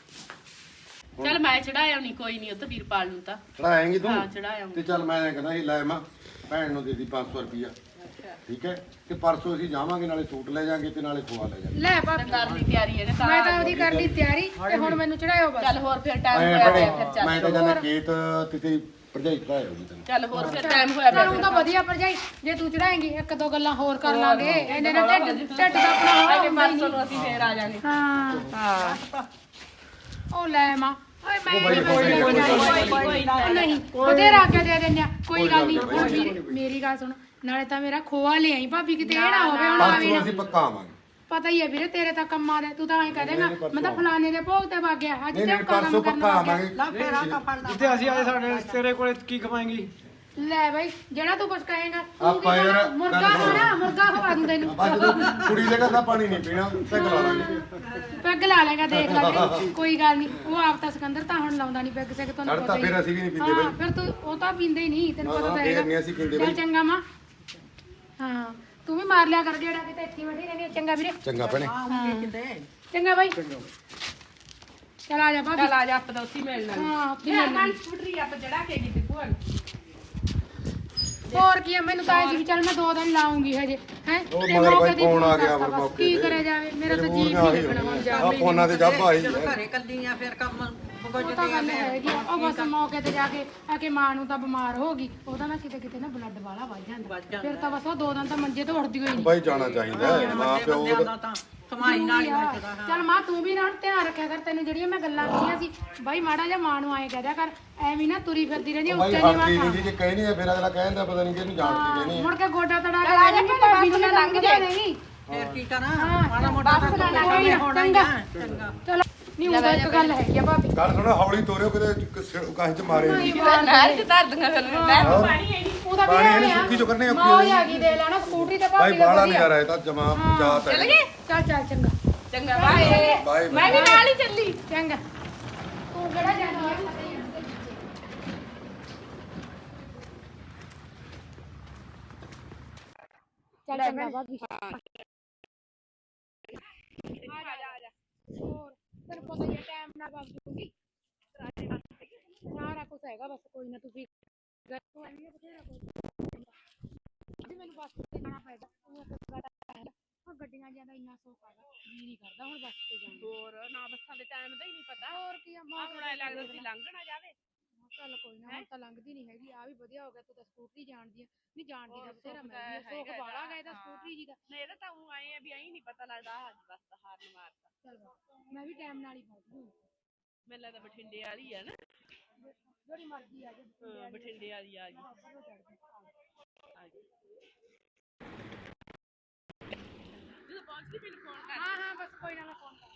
ਚਲ ਮੈਂ ਚੜਾਇਆ ਨਹੀਂ ਕੋਈ ਨਹੀਂ ਉਹ ਤਾਂ ਵੀਰਪਾਲ ਨੂੰ ਤਾਂ ਚੜਾਏਂਗੀ ਤੂੰ ਹਾਂ ਚੜਾਇਆ ਤੇ ਚੱਲ ਮੈਂ ਕਹਿੰਦਾ ਸੀ ਲੈ ਮਾਂ ਭੈਣ ਨੂੰ ਦੇ ਦੀ 500 ਰੁਪਿਆ ਠੀਕ ਹੈ ਤੇ ਪਰਸੋਂ ਅਸੀਂ ਜਾਵਾਂਗੇ ਨਾਲੇ ਸੂਟ ਲੈ ਜਾਾਂਗੇ ਤੇ ਨਾਲੇ ਖੋਆ ਲੈ ਜਾਾਂਗੇ ਲੈ ਭਾਬੀ ਕਰ ਲਈ ਤਿਆਰੀ ਇਹਨੇ ਮੈਂ ਤਾਂ ਉਹਦੀ ਕਰ ਲਈ ਤਿਆਰੀ ਤੇ ਹੁਣ ਮੈਨੂੰ ਚੜਾਇਓ ਬਸ ਚੱਲ ਹੋਰ ਫਿਰ ਟਾਈਮ ਮੈਂ ਹੋਇਆ ਭੈਣੇ, ਪਿਆ ਫਿਰ ਚੱਲ ਮੈਂ ਤਾਂ ਜਾਣਾ ਖੇਤ ਤੇ ਤੇਰੀ ਭਰਜਾਈ ਭਰਾਇਆ ਹੋਗੀ ਤੈਨੂੰ ਚੱਲ ਹੋਰ ਫਿਰ ਟਾਈਮ ਹੋਇਆ ਪਿਆ ਚਲ ਉਹ ਤਾਂ ਵਧੀਆ ਭਰਜਾਈ ਜੇ ਤੂੰ ਚੜਾਏਂਗੀ ਇੱਕ ਦੋ ਗੱਲਾਂ ਹੋਰ ਕਰ ਲਾਂਗੇ ਇਹਨੇ ਨਾਲ ਢਿੱਡ ਦਾ ਆਪਣਾ ਹੋਇਆ ਤੇ ਹੁੰਦਾ ਹੀ ਪਰਸੋਂ ਨਹੀਂ ਨੂੰ ਅਸੀਂ ਫੇਰ ਆ ਜਾਾਂਗੇ ਹਾਂ ਹਾਂ ਉਹ ਲੈ ਮਾਂ ਓਏ ਮੈਂ ਬਾਈ, ਕੋਈ ਨਹੀਂ ਉਹਦੇ ਰਾਗੇ ਦੇ ਦਿੰਦੇ ਆ ਕੋਈ ਗੱਲ ਨਹੀਂ ਹੁਣ ਮੇਰੀ ਗੱਲ ਸੁਣ ਨਾਲੇ ਤਾਂ ਮੇਰਾ ਖੋਆ ਲਿਆਈ ਭਾਬੀ ਕਿਤੇ ਇਹ ਨਾ ਹੋਵੇ ਹੁਣ ਆਵੀ ਪਰਸੋਂ ਨਾ ਅਸੀਂ ਪੱਕਾ ਆਵਾਂਗੇ ਪਤਾ ਹੀ ਹੈ ਵੀਰੇ ਤੇਰੇ ਤਾਂ ਕੰਮਾਂ ਦੇ ਤੂੰ ਤਾਂ ਐਂ ਕਹਦੇਗਾ ਮੈਂ ਤਾਂ ਫਲਾਣੇ ਦੇ ਭੋਗ ਤੇ ਵਗ ਗਿਆ ਅੱਜ ਨਹੀਂ ਤੇ ਨਹੀਂ ਪਰਸੋਂ ਪੱਕਾ ਆਵਾਂਗੇ ਲਾ ਫੇਰ ਆ ਕਾ ਫੜਦਾ ਜਿੱਥੇ ਅਸੀਂ ਆਏ ਸਾਡੇ ਤੇਰੇ ਕੋਲੇ ਕੀ ਕਮਾਏਂਗੀ ਲੈ ਬਾਈ ਜਿਹੜਾ ਤੂੰ ਕੁਝ ਕਹੇਗਾ ਤੂੰ ਆਪਾਂ ਕੀ ਯਾਰ ਖਾਣਾ? ਮੁਰਗਾ ਖਾਣਾ ਮੁਰਗਾ ਖਵਾ ਦੂੰ ਤੈਨੂੰ ਅੱਜ ਕੁੜੀ ਦੇ ਘਰ ਦਾ ਪਾਣੀ ਨਹੀਂ ਪੀਣਾ ਤੇ ਗਲਾ ਲਾਂਗੇ ਪੈਗ ਲਾ ਲੇਗਾ ਦੇਖ ਲੈ ਕੋਈ ਗੱਲ ਨਹੀਂ ਉਹ ਆਪ ਤਾਂ ਸਿਕੰਦਰ ਤਾਂ ਹੁਣ ਲਾਉਂਦਾ ਨਹੀਂ ਪੈਗ ਸਿਕ ਤੁਹਾਨੂੰ ਛੱਡ ਤਾਂ ਪਤਾ ਹੀ ਫਿਰ ਅਸੀਂ ਵੀ ਨਹੀਂ ਪੀਂਦੇ ਹਾਂ ਬਈ ਫਿਰ ਤੂੰ ਉਹ ਤਾਂ ਪੀਂਦੇ ਹੀ ਨਹੀਂ ਤੈਨੂੰ ਨਾ, ਪਤਾ ਨਾ, ਤਾਂ ਫੇਰ ਹੈਗਾ ਨਹੀਂ ਅਸੀਂ ਪੀਂਦੇ ਚੱਲ ਬਈ। ਚੰਗਾ ਮਾਂ ਹਾਂ ਤੂੰ ਵੀ ਮਾਰ ਲਿਆ ਕਰ ਜਿਹੜਾ ਕਿਤੇ ਇੱਥੇ ਬੈਠੀ ਰਹਿੰਦੀ ਹੈ। ਚੰਗਾ ਵੀਰੇ ਚੰਗਾ ਭੈਣੇ ਕਿਤੇ ਚੰਗਾ ਬਾਈ ਚਲ ਆ ਜਾ ਭਾਬੀ ਚੱਲ ਆ ਜਾ ਆਪਾਂ ਤਾਂ ਉੱਥੇ ਹੀ ਮਿਲਣਾ ਹਾਂ ਉੱਥੇ ਯਾਰ ਮਿਲਣਾ ਮੈਂ ਸਕੂਟਰੀ ਆਪਾਂ ਚੜਾ ਕੇ ਗਈ ਤੇ ਭੂਆ ਨੂੰ ਹੋਰ ਕੀ ਹੈ ਮੈਨੂੰ ਤਾਂ ਐਂ ਸੀ ਵੀ ਚੱਲ ਮੈਂ 2 ਦਿਨ ਲਾਉਂਗੀ ਹਜੇ ਹੈ ਉਹ ਮਗਰ ਬਾਈ ਕੌਣ ਆ ਗਿਆ ਫਿਰ ਮੌਕੇ ਕੀ ਤੇ? ਕਰਿਆ ਜਾਵੇ ਮੇਰਾ ਤਾਂ ਜੀਵ ਨਹੀਂ ਲੱਗਣਾ ਹੁਣ ਜਾ ਆ ਫੋਨਾਂ ਤੇ ਜੱਬ ਆਈ ਜਦੋਂ ਘਰੇ ਕੱਲੀਆਂ ਫਿਰ ਕੰਮ ਉਹ ਤਾਂ ਗੱਲ ਹੈਗੀ ਆ। ਉਹ ਬਸ ਮੌਕੇ ਤੇ ਜਾ ਕੇ ਆ ਕੇ ਮਾਂ ਨੂੰ ਤਾਂ ਬਿਮਾਰ ਹੋ ਗਈ ਉਹਦਾ ਨਾ ਕਿਤੇ ਕਿਤੇ ਨਾ ਬਲੱਡ ਵਾਲਾ ਵੱਧ ਜਾਂਦਾ ਫਿਰ ਤਾਂ ਬਸ ਉਹ 2 ਦਿਨ ਤਾਂ ਮੰਜੇ ਤੋਂ ਉੱਠਦੀ ਹੋਈ ਨਹੀਂ ਬਾਈ ਜਾਣਾ ਚਾਹੀਦਾ ਹੈ ਮਾਂ ਪਿਓ ਬੰਦਿਆਂ ਦਾ ਤਾਂ ਸਮਾਈ ਨਾਲ ਹੀ ਮੱਚਦਾ ਚੱਲ ਮਾਂ ਤੂੰ ਵੀ ਨਾ ਹੁਣ ਧਿਆਨ ਰੱਖਿਆ ਕਰ ਤੈਨੂੰ ਜਿਹੜੀਆਂ ਮੈਂ ਗੱਲਾਂ ਕਹੀਆਂ ਸੀ ਬਾਈ ਮਾੜਾ ਜਿਹਾ ਮਾਂ ਨੂੰ ਆਏ ਕਹਿ ਦਿਆ ਕਰ ਐਵੇਂ ਨਾ ਤੁਰੀ ਫਿਰਦੀ ਰਹਿੰਦੀ ਬਾਈ ਉੱਚੇ ਨਹੀਂ ਹੱਥੀ ਵਾਖਾ ਨਹੀਂ ਜੇ ਕਹਿਣੀ ਹੈ ਫਿਰ ਅਗਲਾ ਕਹਿੰਦਾ ਪਤਾ ਨਹੀਂ ਕਿਹਨੂੰ ਜਾਣ ਕੇ ਕਹਿਣੀ ਹੈ ਮੁੜ ਕੇ ਗੋਡਾ ਤੜਾ ਕੇ ਆ ਜਾਂਦੀ ਭਾਬੀ ਨੂੰ ਲੰਘ ਜਾਏਗੀ ਫਿਰ ਕੀ ਕਰਾਂ ਮਾੜਾ ਮੋਟਾ ਤਾਂ ਕੋਈ ਨਾ, ਹੋਣਾ ਹੀ ਚੰਗਾ। ਆ ਚੰਗਾ ਚਲੋ ਨਹੀਂ ਉਹਦਾ ਇੱਕ ਗੱਲ ਹੈਗੀ ਆ ਭਾਬੀ ਗੱਲ ਥੋੜਾ ਹੌਲੀ ਤੋਰਿਓ ਕਿਤੇ ਕਾਹ ਚ ਮਾਰੇ ਨਹੀਂ ਨਹਿਰ ਚ ਧਰ ਦੂੰਗਾ ਫਿਰ ਮੈਂ ਪਾਣੀ ਹੈ ਨਹੀਂ ਉਹਦਾ ਪਾਣੀ ਇਹਨੂੰ ਵੀ ਆ ਸੁੱਕੀ ਚੋਂ ਕੱਢਣੇ ਔਖੀ ਮਾਂ ਹੋਈ ਆ ਗਈ ਦੇ ਲੈਣਾ ਸਕੂਟਰੀ ਤੇ ਬਾਈ ਭਾਬੀ ਦਾ ਬਾਹਲਾ ਵਧੀਆ ਨਜ਼ਾਰਾ ਹੈ ਤਾਂ ਜਮਾ ਜਾਤ ਹੈ ਚੱਲ ਚੱਲ ਚੰਗਾ ਚੰਗਾ ਬਾਏ ਬਾਏ ਮੈਂ ਵੀ ਨਾਲ ਹੀ ਚੱਲੀ ਚੰਗਾ ਤੂੰ ਕਿਹੜਾ ਜਾਣਾ ਹੈ ਚੱਲ ਚੰਗਾ ਭਾਬੀ ਹੋਰ ਤੈਨੂੰ ਪਤਾ ਹੀ ਟਾਈਮ ਨਾਲ ਬਾਤ ਦੂੰਗੀ ਸਾਰਾ ਕੁਝ ਹੈਗਾ ਬਸ ਕੋਈ ਨਾ ਤੁਸੀਂ ਤੂੰ ਆਈ ਬਥੇਰਾ ਕੁਝ ਜੀ ਮੈਨੂੰ ਬੱਸ ਤੇ ਜਾਣਾ ਪੈਦਾ ਉਹ ਗੱਡੀਆਂ ਜਿਆਦਾ ਇੰਨਾ ਸੌਖਾ ਜੀ ਨਹੀਂ ਕਰਦਾ ਹੁਣ ਬੱਸ ਤੇ ਤੇ ਜਾਣਾ ਹੋਰ ਨਾ ਬੱਸਾਂ ਦੇ ਟਾਈਮ ਦਾ ਹੀ ਨਹੀਂ ਪਤਾ ਹੋਰ ਕੀ ਆ ਆਹ ਹੁਣ ਐ ਲੱਗਦਾ ਸੀ ਲੰਘ ਨਾ ਜਾਵੇ ਚੱਲ ਕੋਈ ਨਾ ਹੁਣ ਤਾਂ ਲੰਘਦੀ ਨਹੀਂ ਹੈਗੀ ਆ ਵੀ ਵਧੀਆ ਹੋ ਗਿਆ ਤੂੰ ਤਾਂ ਸਕੂਟਰੀ ਜਾਣਦੀ ਆ ਨਹੀਂ ਜਾਣਦੀ ਹੋਰ ਦਾ ਬਥੇਰਾ ਸੁੱਖ ਮੈਂ ਵੀ ਆ, ਤਾਂ ਸੁੱਖ ਹੈਗਾ ਵਾਲਾ ਗਏ ਇਹਦਾ, ਤਾਂ ਸਕੂਟਰੀ ਜੀ ਦਾ ਨਹੀਂ ਇਹਦਾ ਤਾਂ ਉਹ ਆਏ ਆ ਵੀ ਐਂ ਨਹੀਂ ਪਤਾ ਲੱਗਦਾ ਅੱਜ ਬਸ ਤਾਂ ਹਾਰਨ ਮਾਰਤਾ ਚੱਲ ਬਸ ਮੈਂ ਵੀ ਟਾਈਮ ਨਾਲ ਹੀ ਪਹੁੰਚ ਜੂ ਮੈਨੂੰ ਲੱਗਦਾ ਬਠਿੰਡੇ ਵਾਲੀ ਆ ਨਾ ਜਿਹੜੀ ਮਰਜ਼ੀ ਆ ਜਾ ਹਾਂ, ਬਠਿੰਡੇ ਵਾਲੀ ਆ ਗਈ ਬਾਬਾ ਚੜ ਗਈ ਆ ਗਈ ਜਦੋਂ ਪਹੁੰਚ ਗਈ ਮੈਨੂੰ ਫੋਨ ਕਰ ਹਾਂ ਹਾਂ ਬਸ ਕੋਈ ਨਾ ਮੈਂ ਫੋਨ ਕਰ